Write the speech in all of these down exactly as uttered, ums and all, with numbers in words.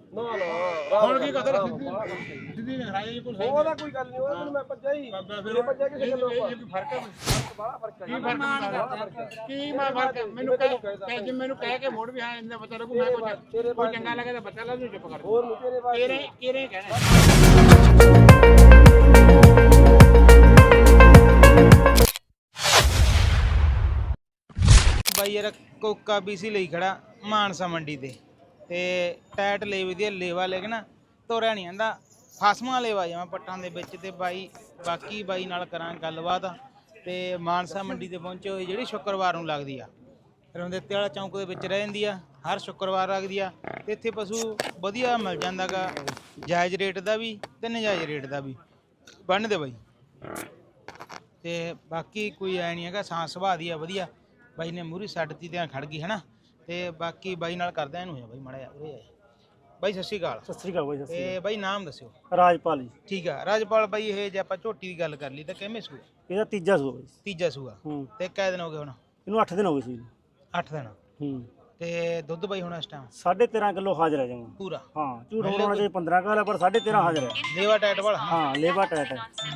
ਨਾ ਨਾ ਹੁਣ ਕੀ ਕਦਰ ਸਿੱਧੀ ਰਾਜੇ ਜੀ ਕੋਲ ਸਹੀ ਉਹਦਾ ਕੋਈ ਗੱਲ ਨਹੀਂ ਉਹ ਮੈਂ ਭੱਜਿਆ ਹੀ ਫਿਰ ਭੱਜਿਆ ਕਿਸੇ ਗੱਲੋਂ ਇਹ ਕੀ ਫਰਕ ਹੈ ਬੜਾ ਫਰਕ ਹੈ ਕੀ ਫਰਕ ਕੀ ਮੈਂ ਫਰਕ ਹੈ? ਮੈਨੂੰ ਕਹਿ ਜੇ ਮੈਨੂੰ ਕਹਿ ਕੇ ਮੋੜ ਵੀ ਹਾਂ ਇੰਦਾ ਬੱਚਾ ਲੱਗੂ ਮੈਂ ਕੋਈ ਕੋਈ ਚੰਗਾ ਲੱਗੇ ਤਾਂ ਬੱਚਾ ਲਾ ਦੂੰ ਚੁੱਪ ਕਰ ਹੋਰ ਤੇਰੇ ਬਾਰੇ ਤੇਰੇ ਤੇਰੇ ਕਹਿਣਾ ਬਾਈ ਯਾਰ ਕੋਕਾ ਬੀਸੀ ਲਈ ਖੜਾ ਮਾਨਸਾ ਮੰਡੀ ਤੇ ਤੇ ਟਾਇਟ ਲੈ ਵਧੀਆ ਲੇਵਾ ਲੈ ਕੇ ਨਾ ਤੋਰਿਆ ਨਹੀਂ ਆਂਦਾ ਫਸਮਾ ਲੇਵਾ ਜਾਵਾਂ ਪੱਟਾਂ ਦੇ ਵਿੱਚ ਤੇ ਬਾਈ ਬਾਕੀ ਬਾਈ ਨਾਲ ਕਰਾਂ ਗੱਲਬਾਤ ਤੇ ਮਾਨਸਾ ਮੰਡੀ ਤੇ ਪਹੁੰਚੇ ਹੋਏ ਜਿਹੜੀ ਸ਼ੁੱਕਰਵਾਰ ਨੂੰ ਲੱਗਦੀ ਆ ਰਮਦੇਤੇ ਵਾਲਾ ਚੌਂਕ ਦੇ ਵਿੱਚ ਰਹਿ ਜਾਂਦੀ ਆ ਹਰ ਸ਼ੁੱਕਰਵਾਰ ਲੱਗਦੀ ਆ ਤੇ ਇੱਥੇ ਪਸ਼ੂ ਵਧੀਆ ਮਿਲ ਜਾਂਦਾ ਗਾ ਜਾਇਜ਼ ਰੇਟ ਦਾ ਵੀ ਤੇ ਨਜਾਇਜ਼ ਰੇਟ ਦਾ ਵੀ ਬੰਨ੍ਹਦੇ ਬਾਈ ਤੇ ਬਾਕੀ ਕੋਈ ਐ ਨਹੀਂ ਹੈਗਾ ਸਾਂਸ ਸੁਭਾਅ ਦੀ ਆ ਵਧੀਆ ਬਾਈ ਨੇ ਮੂਹਰੀ ਸੱਟ ਤੀ ਤੇ ਖੜ ਗਈ ਹਨਾ ਤੇ ਬਾਕੀ ਬਾਈ ਨਾਲ ਕਰਦਾ ਇਹਨੂੰ ਬਾਈ ਮਾੜਾ ਜਿਹਾ ਉਰੇ ਬਾਈ ਸਤਿ ਸ਼੍ਰੀ ਅਕਾਲ। ਸਤਿ ਸ਼੍ਰੀ ਅਕਾਲ ਬਾਈ। ਸਤਿ ਸ਼੍ਰੀ ਤੇ ਬਾਈ ਨਾਮ ਦੱਸਿਓ। ਅਕਾਲ ਰਾਜਪਾਲ ਜੀ। ਠੀਕ ਆ ਰਾਜਪਾਲ ਬਾਈ ਇਹ ਜੇ ਆਪਾਂ ਝੋਟੀ ਦੀ ਗੱਲ ਕਰ ਲਈ ਤਾਂ ਕਿਵੇਂ ਸੂਆ? ਇਹਦਾ ਤੀਜਾ ਸੂਆ ਬਾਈ। ਤੀਜਾ ਸੂਆ। ਹੂੰ ਤੇ ਕਿੰਨੇ ਦਿਨ ਹੋ ਗਏ ਹੁਣ? ਇਹਨੂੰ ਅੱਠ ਦਿਨ ਹੋ ਗਏ ਸੀ। ਅੱਠ ਦਿਨ। ਹੂੰ ਤੇ ਦੁੱਧ ਬਾਈ ਹੁਣ ਇਸ ਟਾਈਮ ਸਾਢੇ ਤੇਰਾਂ ਕਿਲੋ ਹਾਜ਼ਰ ਹੈ ਜਮਾ ਪੂਰਾ। ਹਾਂ ਝੂਠ ਬੋਲਣਾ ਚਾਹੀਦਾ ਪੰਦਰਾਂ ਕਿਲੋ ਪਰ ਸਾਢੇ ਤੇਰਾਂ ਹਾਜ਼ਰ ਹੈ। ਲੇਵਾ ਟਾਈਟ ਵਾਲਾ? ਹਾਂ ਲੇਵਾ ਟਾਈਟ ਹੈ।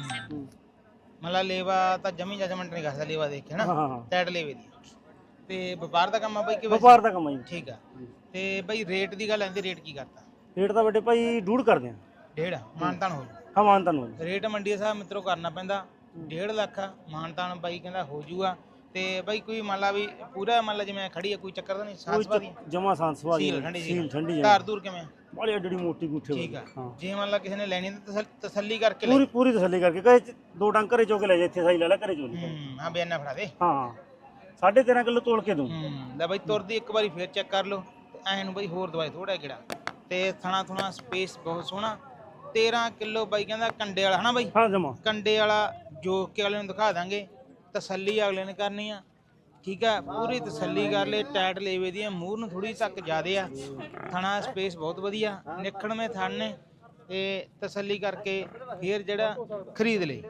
ਮਤਲਬ ਲੇਵਾ ਤਾਂ ਜਮੀ ਜਜਮੈਂਟ ਨਹੀਂ ਕਰਦਾ ਲੇਵਾ ਦੇਖ ਕੇ ਨਾ। ਹਾਂ ਹਾਂ ਟਾਈਟ ਲੇਵੇ ਦੀ। ਤੇ ਵਪਾਰ ਦਾ ਕੰਮ ਆ ਬਾਈ ਕਿ ਵਪਾਰ ਦਾ ਕੰਮ ਹੈ ਜੀ। ਠੀਕ ਆ ਤੇ ਬਾਈ ਰੇਟ ਦੀ ਗੱਲ ਆਂਦੀ ਰੇਟ ਕੀ ਕਰਤਾ? ਰੇਟ ਤਾਂ ਵੱਡੇ ਭਾਈ ਡੂਢ ਕਰਦੇ ਆ। ਡੇਢ ਮਾਨਤਾਨ ਹੋ ਜੂ? ਹਾਂ ਮਾਨਤਾਨ ਹੋ ਜੂ। ਰੇਟ ਮੰਡੀ ਸਾਹਿਬ ਮਿੱਤਰੋ ਕਰਨਾ ਪੈਂਦਾ ਡੇਢ ਲੱਖ ਮਾਨਤਾਨ ਬਾਈ ਕਹਿੰਦਾ ਹੋ ਜੂਗਾ ਤੇ ਬਾਈ ਕੋਈ ਮੰਨ ਲਾ ਵੀ ਪੂਰਾ ਮੰਨ ਲਾ ਜਿਵੇਂ ਖੜੀ ਆ ਕੋਈ ਚੱਕਰ ਤਾਂ ਨਹੀਂ ਸਾਂਸ ਵਾਦੀ ਜਮਾ ਸਾਂਸ ਵਾਦੀ ਸੀਲ ਠੰਡੀ ਸੀਲ ਠੰਡੀ ਧਾਰ ਦੂਰ ਕਿਵੇਂ ਬਾਲੀ ਅੱਡੀ ਮੋਟੀ ਗੁੱਠੇ ਠੀਕ ਆ ਹਾਂ ਜੇ ਮੰਨ ਲਾ ਕਿਸੇ ਨੇ ਲੈਣੀ ਤਾਂ ਤਸੱਲੀ ਕਰਕੇ ਲੈ ਪੂਰੀ ਪੂਰੀ ਤਸੱਲੀ ਕਰਕੇ ਕਹੇ ਦੋ ਡੰਗ ਘਰੇ ਚੋ ਕੇ ਲੈ ਜਾ ਇੱਥੇ ਸਾਈ ਲੈ ਲੈ ਘਰੇ ਚੋ ਲਈ ਹੂੰ ਹਾਂ ਬਿਆਨਾ ਫੜਾ ਦੇ ਹਾਂ ਸਾਢੇ ਤੇਰਾਂ ਕਿਲੋ ਤੋਲ ਕੇ ਦੂੰ ਹੂੰ ਲੈ ਬਾਈ ਤੁਰਦੀ ਇੱਕ ਵਾਰੀ ਫੇਰ ਚੈੱਕ ਕਰ ਲਓ ਤੇ ਐਂ ਨੂੰ ਬਾਈ ਹੋਰ ਦਵਾਈ ਥੋੜਾ ਕਿਹੜਾ ਤੇ ਥਣਾ ਥਣਾ ਸਪੇਸ ਬਹੁਤ ਸੋਹਣਾ ਤੇਰਾਂ ਕਿਲੋ ਬਾਈ ਕਹਿੰਦਾ ਕੰਡੇ ਵਾਲਾ ਹਨਾ ਬਾਈ? ਹਾਂ ਜਮਾ ਕੰਡੇ ਵਾਲਾ ਜੋ ਕੇ ਵਾਲੇ ਨੂੰ ਦਿਖਾ ਦਾਂਗੇ ਤਸੱਲੀ ਅਗਲੇ ਨੇ ਕਰਨੀ ਆ ਠੀਕ ਆ ਪੂਰੀ ਤਸੱਲੀ ਕਰ ਲੈ ਟਾਇਟ ਲੇਵੇ ਦੀ ਮੂੰਹ ਨੂੰ ਥੋੜੀ ਤੱਕ ਜ਼ਿਆਦੇ ਆ ਥਣਾ ਸਪੇਸ ਬਹੁਤ ਵਧੀਆ ਨਿਖੜਵੇਂ ਥਣ ਨੇ ਤੇ ਤਸੱਲੀ ਕਰਕੇ ਫੇਰ ਜਿਹੜਾ ਖਰੀਦ ਲੈ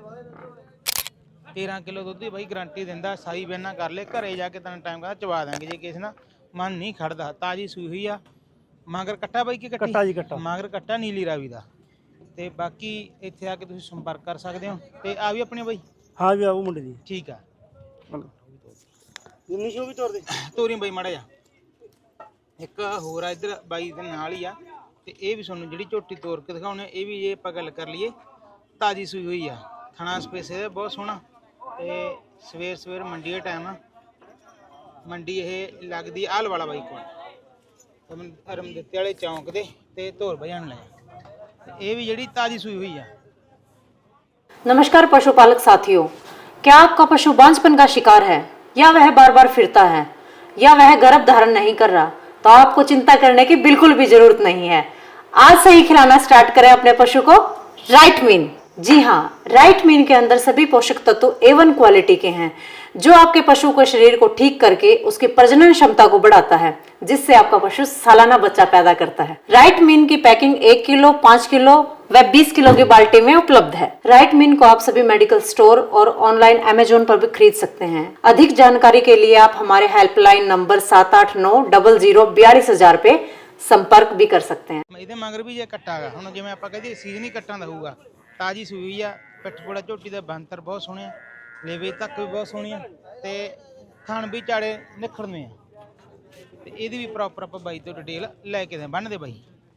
ਤੇਰਾਂ ਕਿਲੋ ਦੁੱਧ ਦੀ ਬਾਈ ਗਰੰਟੀ ਦਿੰਦਾ ਸਾਈ ਬੈਨਾ ਕਰ ਲੈ ਘਰੇ ਜਾ ਕੇ ਤੈਨੂੰ ਟਾਈਮ ਕਹਿੰਦਾ ਚਵਾ ਦਾਂਗੇ ਜੇ ਕਿਸੇ ਨਾਲ ਮਨ ਨਹੀਂ ਖੜਦਾ ਤਾਜੀ ਸੂਈ ਹੋਈ ਆ ਮਗਰ ਕੱਟਾ ਬਾਈ ਕੀ ਕੱਟੀ? ਕੱਟਾ ਜੀ ਕੱਟਾ ਮਗਰ ਕੱਟਾ ਨੀਲੀ ਰਾਵੀ ਦਾ ਤੇ ਬਾਕੀ ਇੱਥੇ ਆ ਕੇ ਤੁਸੀਂ ਸੰਪਰਕ ਕਰ ਸਕਦੇ ਹੋ ਤੇ ਆ ਵੀ ਆਪਣੇ ਬਾਈ? ਹਾਂ ਵੀ ਆਉ ਮੁੰਡੇ ਦੀ ਠੀਕ ਆ ਜਿੰਨੀ ਸ਼ੋ ਵੀ ਤੋਰ ਦੇ ਤੋਰੀ ਬਾਈ ਮਾੜਾ ਜਾ ਇੱਕ ਹੋਰ ਆ ਇੱਧਰ ਬਾਈ ਦੇ ਨਾਲ ਹੀ ਆ ਤੇ ਇਹ ਵੀ ਤੁਹਾਨੂੰ ਜਿਹੜੀ ਝੋਟੀ ਤੋਰ ਕੇ ਦਿਖਾਉਣੇ ਇਹ ਵੀ ਜੇ ਆਪਾਂ ਗੱਲ ਕਰ ਲਈਏ ਤਾਜੀ ਸੂਈ ਹੋਈ ਆ ਥਣਾ ਸਪੇਸ ਇਹਦਾ ਬਹੁਤ ਸੋਹਣਾ ਤੇ ਸਵੇਰ ਸਵੇਰ ਮੰਡੀ ਦਾ ਟਾਈਮ ਆ ਮੰਡੀ ਇਹ ਲੱਗਦੀ ਆਲ ਵਾਲਾ ਬਾਈ ਕੋਲ ਰਮਦੇਤੇ ਵਾਲੇ ਚੌਂਕ ਦੇ ਤੇ ਧੋਰ ਭਜਾਣ ਲੈ ये भी जड़ी ताजी सुई हुई है। नमस्कार पशुपालक साथियों, क्या आपका पशु बांझपन का शिकार है या वह बार बार फिरता है या वह गर्भ धारण नहीं कर रहा? तो आपको चिंता करने की बिल्कुल भी जरूरत नहीं है। आज से ही खिलाना स्टार्ट करें अपने पशु को राइट मीन। जी हाँ, राइट मीन के अंदर सभी पोषक तत्व ए वन क्वालिटी के हैं जो आपके पशु के शरीर को ठीक करके उसकी प्रजनन क्षमता को बढ़ाता है जिससे आपका पशु सालाना बच्चा पैदा करता है। राइट मीन की पैकिंग एक किलो, पाँच किलो व बीस किलो की बाल्टी में उपलब्ध है। राइट मीन को आप सभी मेडिकल स्टोर और ऑनलाइन अमेजोन पर भी खरीद सकते हैं। अधिक जानकारी के लिए आप हमारे हेल्पलाइन नंबर सात आठ नौ डबल जीरो बयालीस हजार पे संपर्क भी कर सकते हैं। ਇਹਦੇ ਮਗਰ ਵੀ ਜੇ ਕੱਟਾ ਗਾ ਹੁਣ ਜਿਵੇਂ ਆਪਾਂ ਕਹਦੇ ਸੀਜ਼ਨ ਹੀ ਕੱਟਾਂ ਦਾ ਹੋਊਗਾ ਤਾਜੀ ਸੂਈ ਹੋਈ ਆ ਪਿੱਠ ਪੋੜਾ ਝੋਟੀ ਦਾ ਬੰਤਰ ਬਹੁਤ ਸੋਹਣੇ ਆ ਲੇਵੇ ਤੱਕ ਵੀ ਬਹੁਤ ਸੋਹਣੀ ਆ ਤੇ ਥਣ ਵੀ ਝਾੜੇ ਨਿਖੜਨੇ ਆ ਤੇ ਇਹਦੀ ਵੀ ਪ੍ਰੋਪਰ ਆਪਾਂ ਬਾਈ ਤੋਂ ਡਿਟੇਲ ਲੈ ਕੇ ਦੇ ਬੰਨਦੇ ਬਾਈ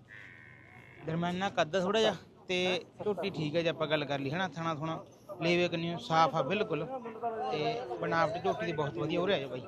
ਦਰਮਿਆਨਾ ਕੱਦ ਥੋੜਾ ਜਿਹਾ ਤੇ ਝੋਟੀ ਠੀਕ ਹੈ ਜੇ ਆਪਾਂ ਗੱਲ ਕਰ ਲਈ ਹਨਾ ਥਣਾ ਥਣਾ ਲੇਵੇ ਕੰਨੀ ਸਾਫ ਆ ਬਿਲਕੁਲ ਤੇ ਬਣਾਵਟ ਝੋਟੀ ਦੀ ਬਹੁਤ ਵਧੀਆ ਹੋ ਰਿਹਾ ਹੈ ਬਾਈ।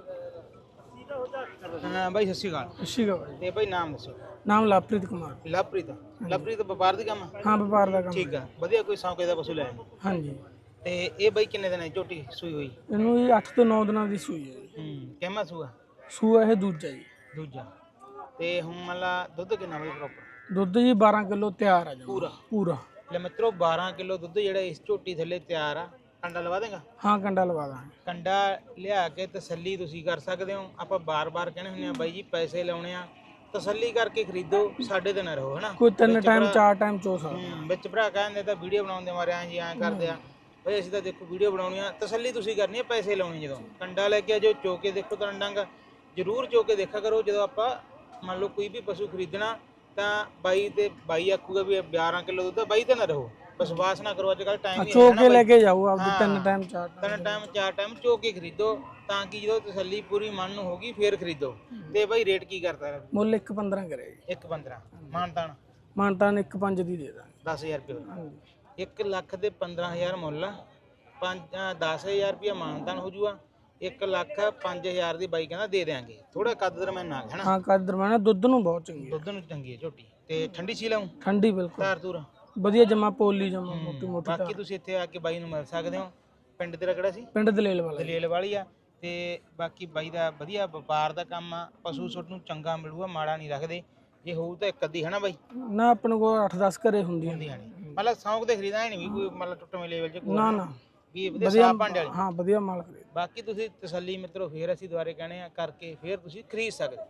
ਹਾਂ ਬਾਈ ਸਤਿ ਸ਼੍ਰੀ ਅਕਾਲ। ਸਤਿ ਸ਼੍ਰੀ ਅਕਾਲ। ਤੇ ਬਾਈ ਨਾਮ ਦੱਸੋ। ਨਾਮ ਲਵਪ੍ਰੀਤ ਕੁਮਾਰ। ਲਵਪ੍ਰੀਤ ਲਵਪ੍ਰੀਤ ਵਪਾਰ ਦਾ ਕੰਮ? ਹਾਂ ਵਪਾਰ ਦਾ ਕੰਮ। ਠੀਕ ਆ ਵਧੀਆ ਕੋਈ ਸੌਂਕੇ ਦਾ ਪਸ਼ੂ ਲੈ ਹਾਂਜੀ। ਤੇ ਇਹ ਬਾਈ ਕਿੰਨੇ ਦਿਨ ਹੈ ਝੋਟੀ ਸੂਈ ਹੋਈ? ਇਹਨੂੰ ਇਹ ਅੱਠ ਤੋਂ ਨੌ ਦਿਨਾਂ ਦੀ ਸੂਈ ਹੈ ਜੀ। ਹੂੰ ਕਿੰਨਾ ਸੂਆ? ਸੂਆ ਇਹ ਦੂਜਾ ਜੀ। ਦੂਜਾ। ਤੇ ਹੁਣ ਮਤਲਬ ਦੁੱਧ ਕਿੰਨਾ ਬਾਈ ਪ੍ਰੋਪਰ? ਦੁੱਧ ਜੀ ਬਾਰਾਂ ਕਿਲੋ ਤਿਆਰ ਆ ਜੀ ਪੂਰਾ ਪੂਰਾ। ਲੈ ਮਿੱਤਰੋ ਬਾਰਾਂ ਕਿਲੋ ਦੁੱਧ ਜਿਹੜਾ ਇਸ ਝੋਟੀ ਥੱਲੇ ਤਿਆਰ ਆ। ਕੰਡਾ ਲਵਾ ਦੇਗਾ? ਹਾਂ ਕੰਡਾ ਲਵਾ ਦਾਂਗੇ। ਕੰਡਾ ਲਿਆ ਕੇ ਤਸੱਲੀ ਤੁਸੀਂ ਕਰ ਸਕਦੇ ਹੋ। ਆਪਾਂ ਬਾਰ-ਬਾਰ ਕਹਿੰਦੇ ਹੁੰਦੇ ਆ ਬਾਈ ਜੀ ਪੈਸੇ ਲਾਉਣੇ ਆ ਤਸੱਲੀ ਕਰਕੇ ਖਰੀਦੋ ਸਾਡੇ ਤੇ ਨਾ ਰਹੋ ਹਨਾ ਕੋਈ ਤਿੰਨ ਟਾਈਮ ਚਾਰ ਟਾਈਮ ਚੋ ਸਕਦਾ। ਵਿੱਚ ਭਰਾ ਕਹਿੰਦੇ ਤਾਂ ਵੀਡੀਓ ਬਣਾਉਂਦੇ ਮਾਰੇ ਆਂ ਜੀ ਐਂ ਕਰਦੇ ਆ ਬਈ ਅਸੀਂ ਤਾਂ ਦੇਖੋ ਵੀਡੀਓ ਬਣਾਉਣੀ ਆ ਤਸੱਲੀ ਤੁਸੀਂ ਕਰਨੀ ਆ ਪੈਸੇ ਲਾਉਣੇ ਜਦੋਂ ਕੰਡਾ ਲੈ ਕੇ ਜੋ ਚੋ ਕੇ ਦੇਖੋ ਤਾਂ ਡੰਗ ਜ਼ਰੂਰ ਚੋ ਕੇ ਦੇਖਿਆ ਕਰੋ ਜਦੋਂ ਆਪਾਂ ਮੰਨ ਲਓ ਕੋਈ ਵੀ ਪਸ਼ੂ ਖਰੀਦਣਾ ਤਾਂ ਬਾਈ ਤੇ ਬਾਈ ਆਖੂਗਾ ਵੀ ਬਾਰਾਂ ਕਿਲੋ ਦੁੱਧ ਆ, ਬਾਈ ਤੇ ਨਾ ਰਹੋ, ਵਿਸ਼ਵਾਸ ਨਾ ਕਰੋ। ਅੱਜ ਕੱਲ ਟਾਈਮ ਹੀ ਚੋ ਕੇ ਲੈ ਕੇ ਜਾਓ ਆਪਦੇ ਤਿੰਨ ਟਾਈਮ ਚਾਰ ਟਾਈਮ ਤਿੰਨ ਟਾਈਮ ਚਾਰ ਟਾਈਮ ਚੋ ਕੇ ਖਰੀਦੋ, ਤਾਂ ਕਿ ਜਦੋਂ ਤਸੱਲੀ ਪੂਰੀ ਮਨ ਨੂੰ ਹੋਗੀ ਫੇਰ ਖਰੀਦੋ। ਤੇ ਬਾਈ ਰੇਟ ਕੀ ਕਰਦਾ? ਮੁੱਲ ਇੱਕ ਪੰਦਰਾਂ ਕਰੇ ਜੀ। ਇੱਕ ਪੰਦਰਾਂ ਮਾਨਤਾਨ ਮਾਨਤਾਨ ਇੱਕ ਪੰਜ ਦੀ ਦੇ ਦਾਂਗੇ। ਦਸ ਹਜ਼ਾਰ ਰੁਪਏ ਇੱਕ ਲੱਖ ਦੇ ਪੰਦਰਾਂ ਹਜ਼ਾਰ ਮੁੱਲ ਆ, ਪੰਜ ਦਸ ਹਜ਼ਾਰ ਰੁਪਇਆ ਮਾਨਤਾਨ ਹੋ ਜੂਗਾ। ਇੱਕ ਲੱਖ ਪੰਜ ਹਜ਼ਾਰ ਦੀ ਬਾਈ ਕਹਿੰਦਾ ਦੇ ਦਿਆਂਗੇ। ਥੋੜਾ ਕੱਦ ਦਰਮਿਆਨ ਆ ਹੈ ਨਾ? ਹਾਂ ਕੱਦ ਦਰਮਿਆਨ, ਦੁੱਧ ਨੂੰ ਬਹੁਤ ਚੰਗੀ ਹੈ। ਦੁੱਧ ਨੂੰ ਚੰਗੀ ਹੈ ਝੋਟੀ ਤੇ ਠੰਡੀ ਸੀ ਲਾਉਂ ਠੰਡੀ ਬਿਲਕੁਲ ਧਾਰ ਧੂਰ ਵਧੀਆ, ਜਮਾ ਪੋਲੀ ਜਮਾ ਮੋਟੀ ਮੋਟੀ। ਬਾਕੀ ਤੁਸੀਂ ਇੱਥੇ ਆ ਕੇ ਬਾਈ ਨੂੰ ਮਿਲ ਸਕਦੇ ਹੋ। ਪਿੰਡ ਤੇਰਾ ਕਿਹੜਾ ਸੀ? ਪਿੰਡ ਦਲੇਲ ਵਾਲਾ। ਦਲੇਲ ਵਾਲੀ ਆ। ਤੇ ਬਾਕੀ ਬਾਈ ਦਾ ਵਧੀਆ ਵਪਾਰ ਦਾ ਕੰਮ ਆ, ਪਸ਼ੂ ਸੁੱਟ ਨੂੰ ਚੰਗਾ ਮਿਲੂਗਾ, ਮਾੜਾ ਨਹੀਂ ਰੱਖਦੇ। ਜੇ ਹੋਊ ਤਾਂ ਇੱਕ ਅੱਧੀ ਹੈ ਨਾ ਬਾਈ? ਨਾ ਆਪਣੇ ਕੋਲ ਅੱਠ ਦਸ ਘਰੇ ਹੁੰਦੀਆਂ ਨੇ। ਹੁੰਦੀਆਂ ਨੇ ਮਤਲਬ ਸ਼ੌਂਕ ਤੇ ਖਰੀਦਾ ਨਹੀਂ ਵੀ ਕੋਈ ਮਤਲਬ ਟੁੱਟਵੇਂ ਲੈਵਲ 'ਚ ਕੋਈ ਨਾ ਨਾ ਵੀ ਵਧੀਆ ਸਾਫ ਭਾਂਡੇ ਵਾਲੀ। ਹਾਂ ਵਧੀਆ ਮਾਲ ਖਰੀਦ। ਬਾਕੀ ਤੁਸੀਂ ਤਸੱਲੀ ਮਿੱਤਰੋ ਫੇਰ ਅਸੀਂ ਦੁਆਰੇ ਕਹਿੰਦੇ ਆ ਕਰਕੇ ਫੇਰ ਤੁਸੀਂ ਖਰੀਦ ਸਕਦੇ।